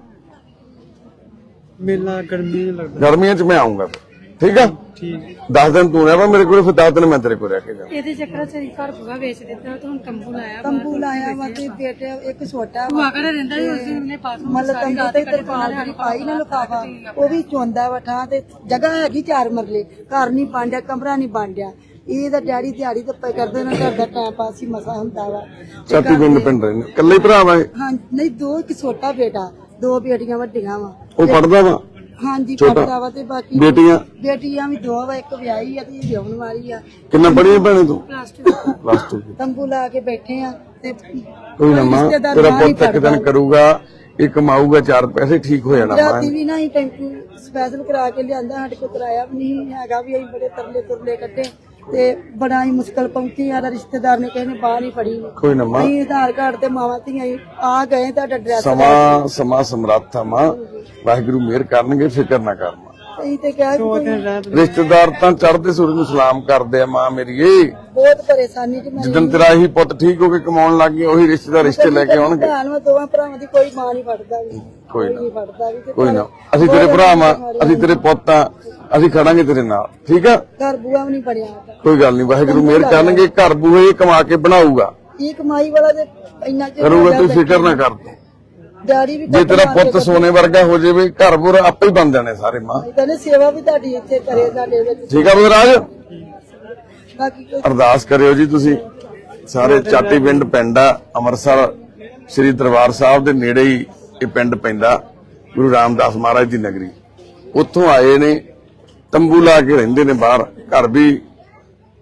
ਮੇਲਾ ਗਰਮੀ ਨੂੰ ਲੱਗਦਾ।
ਗਰਮੀਆਂ 'ਚ ਮੈਂ ਆਉਂਗਾ ਠੀਕ ਆ।
ਠੀਕ
ਦਸ ਦਿਨ ਤੂੰ ਰਹਿ ਪਾ ਮੇਰੇ ਕੋਲ, ਫਿਰ ਦਸ ਦਿਨ ਮੈਂ ਤੇਰੇ ਕੋਲ ਰਹਿ ਕੇ ਜਾਵਾਂ।
ਇਹਦੇ ਚੱਕਰ 'ਚ ਘਰ ਬੁਗਾ ਵੇਚ ਦਿੱਤਾ ਤੇ ਹੁਣ ਤੰਬੂ ਲਾਇਆ
ਤੰਬੂ ਲਾਇਆ ਵਾ ਤੇ ਬੇਟੇ ਇੱਕ ਛੋਟਾ ਵਾ
ਭੂਆ ਘਰੇ ਰਹਿੰਦਾ ਸੀ, ਉਸ ਦਿਨ ਉਹਨੇ ਬਾਥਰੂਮ
ਮਤਲਬ ਤੰਬੂ ਤੇ ਤਰਪਾਲ ਜਿਹੜੀ ਪਾਈ ਨਾ ਲਫਾਫਾ ਉਹ ਵੀ ਚੋਂਦਾ ਵਾ ਠਾਂ ਤੇ ਜਗ੍ਹਾ ਹੈਗੀ ਚਾਰ ਮਰਲੇ, ਘਰ ਨਹੀਂ ਬਾਂਡਿਆ, ਕਮਰਾ ਨਹੀਂ ਬਾਂਡਿਆ। ਇਹਦਾ ਡੈਡੀ ਦਿਹਾੜੀ ਧੱਪੇ ਕਰਦੇ ਨਾ, ਘਰ ਦਾ ਟਾਈਮ ਪਾਸ ਹੀ ਮਸਾ ਹੁੰਦਾ ਵਾ।
ਚਾਟੀ ਪਿੰਡ ਪਿੰਡ ਰਹਿੰਦੇ ਇਕੱਲੇ ਭਰਾ ਵਾ ਇਹ?
ਹਾਂ ਨਹੀਂ ਦੋ ਇੱਕ ਛੋਟਾ ਬੇਟਾ, ਦੋ ਬੇਟੀਆਂ ਵੱਡੀਆਂ ਵਾ।
ਉਹ ਪੜਦਾ ਵਾ?
ਹਾਂਜੀ
ਛੋਟਾ।
ਪੜਦਾ ਵਾ ਤੇ ਬਾਕੀ
ਬੇਟੀਆਂ?
ਬੇਟੀਆਂ ਵੀ ਦੋ ਵਾ, ਇੱਕ ਵਿਆਹੀ ਆ ਤੇ ਇਹ ਵਿਆਹਣ ਵਾਲੀ ਆ।
ਕਿੰਨਾ ਪੜ੍ਹੀ ਭੈਣੇ ਤੂੰ?
Plus two
plus two.
ਤੰਬੂ ਲਾ ਕੇ ਬੈਠੇ ਆ ਤੇ
ਕੋਈ ਨਾ ਮਾਂ, ਤੇਰਾ ਪੁੱਤ ਇੱਕ ਦਿਨ ਕਰੂਗਾ, ਇਹ ਕਮਾਊਗਾ, ਚਾਰ ਪੈਸੇ ਠੀਕ ਹੋ ਜਾਣਾ ਮਾਂ।
ਰਾਤੀ ਵੀ ਨਾ ਹੀ ਟੈਂਪੂ ਸਪੈਸ਼ਲ ਕਰਾ ਕੇ ਲਿਆਂਦਾ, ਸਾਡੇ ਕੋਲ ਕਿਰਾਇਆ ਵੀ ਨਹੀਂ ਹੈਗਾ, ਵੀ ਅਸੀਂ ਬੜੇ ਤਰਲੇ ਤੁਰਲੇ ਕੱਢੇ ਤੇ ਬੜਾ ਹੀ ਮੁਸ਼ਕਲ ਪਹੁੰਚੀ। ਆ ਰਿਸ਼ਤੇਦਾਰ ਨੇ ਕਿਸੇ ਨੇ ਬਾਹਰ ਨਹੀਂ ਫੜੀ।
ਕੋਈ ਨਾ ਮਾਂ,
ਅਸੀਂ ਆਧਾਰ ਕਾਰਡ ਤੇ ਮਾਵਾਂ ਧੀਆਂ ਹੀ ਆ ਗਏ, ਤੁਹਾਡਾ ਐਡਰੈਸ
ਸਮਾਂ ਸਮਾਂ ਸਮਰੱਥ ਆ ਮਾਂ, ਵਾਹਿਗੁਰੂ ਮਿਹਰ ਕਰਨਗੇ, ਫਿਕਰ ਨਾ ਕਰ ਮਾਂ।
ਅਸੀਂ ਤੇ ਕਿਹਾ ਵੀ ਕੋਈ
ਰਿਸ਼ਤੇਦਾਰ ਤਾਂ ਚੜ੍ਹਦੇ ਸੂਰਜ ਨੂੰ ਸਲਾਮ ਕਰਦੇ ਆ ਮਾਂ ਮੇਰੀਏ।
ਬਹੁਤ ਪਰੇਸ਼ਾਨੀ ਚ ਮੈਂ
ਜਿੱਦਣ ਤੇਰਾ ਇਹੀ ਪੁੱਤ ਠੀਕ ਹੋ ਕੇ ਕਮਾਉਣ ਲੱਗ ਗਿਆ, ਉਹੀ ਰਿਸ਼ਤੇਦਾਰ ਰਿਸ਼ਤੇ ਲੈ ਕੇ ਆਉਣਗੇ।
ਭੈਣ ਵਾ, ਦੋਵਾਂ ਭਰਾਵਾਂ ਦੀ ਕੋਈ ਮਾਂ ਨਹੀਂ ਫੜਦਾ ਵੀ,
ਕੋਈ ਨਾ,
ਨਹੀਂ ਫੜਦਾ ਵੀ ਤੇ
ਕੋਈ ਨਾ, ਅਸੀਂ ਤੇਰੇ ਭਰਾ ਮਾਂ, ਅਸੀਂ ਤੇਰੇ ਪੁੱਤ ਆ, ਅਸੀਂ ਖੜਾਂਗੇ ਤੇਰੇ ਨਾਲ ਠੀਕ ਆ।
ਘਰ ਬੂਆ ਵੀ ਨਹੀਂ ਬਣਿਆ।
ਕੋਈ ਗੱਲ ਨਹੀਂ, ਵਾਹਿਗੁਰੂ ਮਿਹਰ ਕਰਨਗੇ, ਘਰ ਬੂਹੇ ਕਮਾ ਕੇ ਬਣਾਊਗਾ,
ਇਹ ਕਮਾਈ ਵਾਲਾ ਤੇ ਇੰਨਾ ਚਿਰ
ਕਰੂਗਾ, ਤੂੰ ਫਿਕਰ ਨਾ ਕਰ ਤੂੰ।
ਡੈਡੀ ਵੀ
ਜੇ ਤੇਰਾ ਪੁੱਤ ਸੋਨੇ ਵਰਗਾ ਹੋ ਜਾਵੇ, ਘਰ ਬੁਰ ਆਪੇ ਹੀ ਬਣ ਜਾਣੇ ਸਾਰੇ ਮਾਂ।
ਕਹਿੰਦੇ ਸੇਵਾ ਵੀ ਤੁਹਾਡੀ ਇੱਥੇ ਕਰੇ ਸਾਡੇ ਵਿੱਚ।
ਠੀਕ ਆ ਬਲਰਾਜ?
ਬਾਕੀ ਕੋਈ
ਅਰਦਾਸ ਕਰਿਓ ਜੀ ਤੁਸੀਂ ਸਾਰੇ। ਚਾਟੀ ਪਿੰਡ ਪਿੰਡ ਆ ਅੰਮ੍ਰਿਤਸਰ, ਸ੍ਰੀ ਦਰਬਾਰ ਸਾਹਿਬ ਦੇ ਨੇੜੇ ਹੀ ਇਹ ਪਿੰਡ ਪੈਂਦਾ, ਗੁਰੂ ਰਾਮਦਾਸ ਮਹਾਰਾਜ ਦੀ ਨਗਰੀ। ਉੱਥੋਂ ਆਏ ਨੇ, ਤੰਬੂ ਲਾ ਕੇ ਰਹਿੰਦੇ ਨੇ ਬਾਹਰ, ਘਰ ਵੀ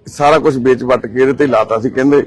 ਸਾਰਾ ਕੁਝ ਵੇਚ ਵੱਟ ਕੇ ਇਹਦੇ ਤੇ ਲਾਤਾ ਸੀ। ਕਹਿੰਦੇ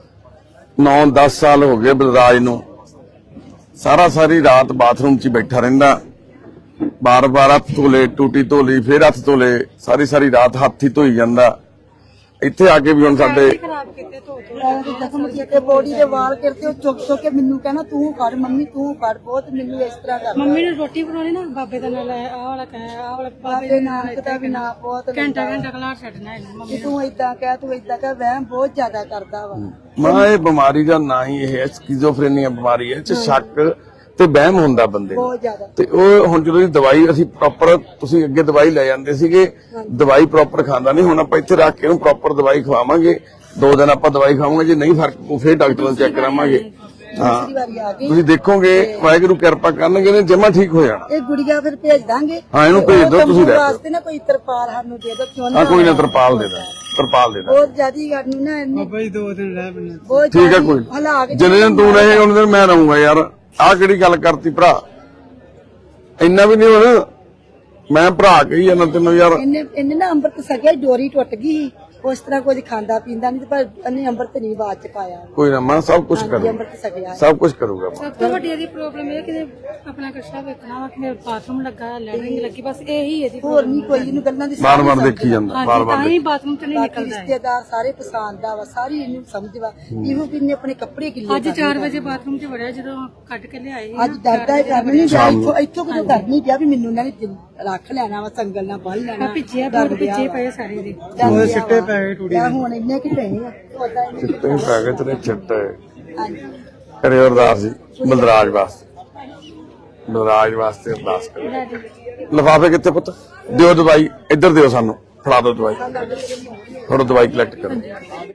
ਨੌ ਦਸ ਸਾਲ ਹੋ ਗਏ ਬਲਰਾਜ ਨੂੰ, ਸਾਰਾ ਸਾਰੀ ਰਾਤ ਬਾਥਰੂਮ 'ਚ ਹੀ ਬੈਠਾ ਰਹਿੰਦਾ, ਬਾਰ ਬਾਰ ਹੱਥ ਧੋਲੇ, ਟੂਟੀ ਧੋਲੀ, ਫੇਰ ਹੱਥ ਧੋਲੇ, ਸਾਰੀ ਸਾਰੀ ਰਾਤ ਹੱਥ ਹੀ ਧੋਈ ਜਾਂਦਾ। ਇੱਥੇ ਆ ਕੇ ਵੀ ਹੁਣ ਸਾਡੇ
ਖਰਾਬ ਕੀਤੇ ਧੋ ਧੋ
ਮੈਂ ਤੇ ਜ਼ਖਮ ਕੀਤੇ, ਬੋਡੀ ਦੇ ਵਾਲ ਕਰਤੇ, ਉਹ ਚੁੱਕ ਚੁੱਕ ਕੇ ਮੈਨੂੰ ਕਹਿਣਾ ਤੂੰ ਫੜ ਮੰਮੀ ਤੂੰ ਫੜ, ਬਹੁਤ ਮੈਨੂੰ ਇਸ ਤਰ੍ਹਾਂ ਕਰਦਾ।
ਮੰਮੀ ਨੇ ਰੋਟੀ ਬਣਾਉਣੀ ਨਾ ਬਾਬੇ ਦਾ ਨਾਲ ਆਹ ਵਾਲਾ ਕਹਿ ਆਹ ਵਾਲਾ ਬਾਬੇ
ਬਾਬੇ ਨਾਨਕ ਦਾ ਵੀ ਨਾ ਬਹੁਤ
ਘੰਟਾ ਘੰਟਾ ਖਲਾ ਛੱਡਣਾ ਇਹਨੂੰ ਮੰਮੀ
ਕਿ ਤੂੰ ਏਦਾਂ ਕਹਿ ਤੂੰ ਏਦਾਂ ਕਹਿ, ਵਹਿਮ ਬਹੁਤ ਜ਼ਿਆਦਾ ਕਰਦਾ ਵਾ।
ਮਾਂ ਇਹ ਬਿਮਾਰੀ ਦਾ ਨਾਂ ਹੀ ਇਹ ਹੈ, ਸਕਿਜ਼ੋਫਰੇਨੀਆ ਬਿਮਾਰੀ ਹੈ, ਇਹ 'ਚ ਸ਼ੱਕ ਤੇ ਵਹਿਮ ਹੁੰਦਾ ਬੰਦੇ ਨੂੰ।
ਬਹੁਤ ਜ਼ਿਆਦਾ।
ਤੇ ਉਹ ਹੁਣ ਜਦੋਂ ਦੀ ਦਵਾਈ ਅਸੀਂ ਪ੍ਰੋਪਰ, ਤੁਸੀਂ ਅੱਗੇ ਦਵਾਈ ਲੈ ਜਾਂਦੇ ਸੀਗੇ, ਦਵਾਈ ਪ੍ਰੋਪਰ ਖਾਂਦਾ ਨਹੀਂ, ਹੁਣ ਆਪਾਂ ਇੱਥੇ ਰੱਖ ਕੇ ਉਹਨੂੰ ਪ੍ਰੋਪਰ ਦਵਾਈ ਖਵਾਵਾਂਗੇ। ਦੋ ਦਿਨ ਆਪਾਂ ਦਵਾਈ ਖਾਵਾਂਗੇ, ਜੇ ਨਹੀਂ ਫਰਕ ਪਊ ਫੇਰ ਡਾਕਟਰ ਨੂੰ ਚੈੱਕ ਕਰਾਵਾਂਗੇ। ਹਾਂ
ਦੂਸਰੀ ਵਾਰੀ ਆ ਗਈ
ਤੁਸੀਂ ਦੇਖੋਗੇ ਵਾਹਿਗੁਰੂ ਕਿਰਪਾ ਕਰਨਗੇ ਨੇ ਜਮਾ ਠੀਕ ਹੋ ਜਾਣਾ।
ਇਹ ਗੁੜੀਆ ਫਿਰ ਭੇਜ ਦਾਂਗੇ।
ਹਾਂ, ਇਹਨੂੰ ਭੇਜ ਦਿਓ, ਤੁਸੀਂ ਰਹਿ
ਵਾਸਤੇ ਨਾ ਕੋਈ ਤਰਪਾਲ ਸਾਨੂੰ ਦੇ ਦਿਓ, ਕਿਉਂ
ਹਾਂ ਕੋਈ ਨਾ, ਤਰਪਾਲ ਦੇ ਦਾਂ, ਤਰਪਾਲ ਦੇ ਦਾਂ।
ਬਹੁਤ ਜ਼ਿਆਦੀ ਗੱਲ ਨੂੰ ਨਾ ਇਹਨੇ
ਬਾਬਾ ਜੀ ਦੋ ਦਿਨ ਰਹਿ ਪੈਣੇ।
ਬਹੁਤ
ਠੀਕ ਹੈ,
ਜ਼ਿਆਦੀ
ਕੋਈ
ਹਲਾ ਕੇ
ਜਿੰਨੇ ਦਿਨ ਤੂੰ ਰਹੇ ਉਹਨੇ ਦਿਨ ਮੈਂ ਰਹੂੰਗਾ ਯਾਰ। ਆਹ ਕਿਹੜੀ ਗੱਲ ਕਰਤੀ ਭਰਾ, ਇੰਨਾ ਵੀ ਨਹੀਂ ਹੁਣ ਮੈਂ ਭਰਾ ਕਹੀ ਜਾਂਦਾ ਤੈਨੂੰ ਯਾਰ।
ਇਹਨੇ ਇਹਨੇ ਨਾ ਅੰਮ੍ਰਿਤ ਸਕਿਆ, ਡੋਰੀ ਟੁੱਟ ਗਈ ਸੀ। ਉਸ ਤਰ੍ਹਾਂ ਕੁਝ ਖਾਂਦਾ ਪੀਂਦਾ ਨਹੀਂ, ਪਰ ਇਹਨੇ ਅੰਮ੍ਰਿਤ ਨਹੀਂ ਬਾਅਦ ਚ ਪਾਇਆ।
ਕੋਈ ਨਾ, ਮੈਂ ਸਭ ਕੁਝ
ਹਾਂਜੀ,
ਕਰੂੰਗਾ,
ਅੰਮ੍ਰਿਤ ਸਕਿਆ।
ਸਭ ਕੁਝ ਕਰੂੰਗਾ।
ਸਭ ਤੋਂ ਵੱਡੀ ਇਹਦੀ ਪ੍ਰੋਬਲਮ ਇਹ ਕਿ ਆਪਣਾ ਕਸ਼ਾ ਵੇਖਣਾ ਵਾ ਕਿ ਬਾਥਰੂਮ ਲੱਗਾ ਲੈਟਰਿੰਗ ਲੱਗੀ, ਬਸ ਇਹੀ ਇਹਦੀ
ਹੋਰ ਨਹੀਂ ਕੋਈ, ਇਹਨੂੰ ਗੱਲਾਂ ਦੀ
ਬਾਰ ਬਾਰ ਦੇਖੀ ਜਾਂਦਾ, ਬਾਰ
ਹਾਂਜੀ
ਬਾਰ
ਤਾਂ ਹੀ ਬਾਥਰੂਮ ਚ ਨਹੀਂ
ਬਾਕੀ
ਨਿਕਲਦਾ ਹੈ।
ਰਿਸ਼ਤੇਦਾਰ ਸਾਰੇ ਪਸੰਦ ਆ ਵਾ, ਸਾਰੀ ਇਹਨੂੰ ਸਮਝਵਾ। ਇਹੋ ਕਿ ਇਹਨੇ ਆਪਣੇ ਕੱਪੜੇ ਗਿੱਲੇ
ਅੱਜ ਚਾਰ ਵਜੇ ਬਾਥਰੂਮ ਚ ਵੜਿਆ, ਜਦੋਂ ਕੱਢ ਕੇ ਲਿਆਏ
ਅੱਜ ਡਰਦਾ ਹੀ ਕਰਨ ਨਹੀਂ ਗਿਆ, ਇੱਥੋਂ ਇੱਥੋਂ ਕਿਉਂ ਕਰਨੀ ਪਿਆ ਵੀ ਮੈਨੂੰ ਇਹਨਾਂ ਨੇ ਰੱਖ ਲੈਣਾ ਵਾ, ਸੰਗਲ ਨਾਲ ਬੰਨ ਲੈਣਾ।
ਪਿੱਛੇ ਬੋਰ ਪਿੱਛੇ ਪਏ ਸਾਰੇ ਦੇ
ਉਹਦੇ ਸਿੱਟੇ ਪੈ ਗਏ ਟੂੜੀ ਦੇ। ਹੁਣ ਇੰਨੇ ਕਿ ਪਏ ਆ ਉਹਦਾ ਇਹਨੇ
ਚਿੱਟੇ ਪੈ ਗਏ ਤੇਰੇ ਚਿੱਟੇ।
ਹਾਂਜੀ
ਕਰਿਓ ਅਰਦਾਸ ਜੀ ਬਲਰਾਜ ਵਾਸਤੇ, ਬਲਰਾਜ ਵਾਸਤੇ ਅਰਦਾਸ ਕਰੋ। ਲਿਫਾਫੇ ਕਿੱਥੇ ਪੁੱਤ? ਦਿਓ ਦਵਾਈ, ਇੱਧਰ ਦਿਓ ਸਾਨੂੰ, ਫੜਾ ਦਿਓ ਦਵਾਈ, ਥੋੜਾ ਦਵਾਈ ਕਲੈਕਟ ਕਰੋ।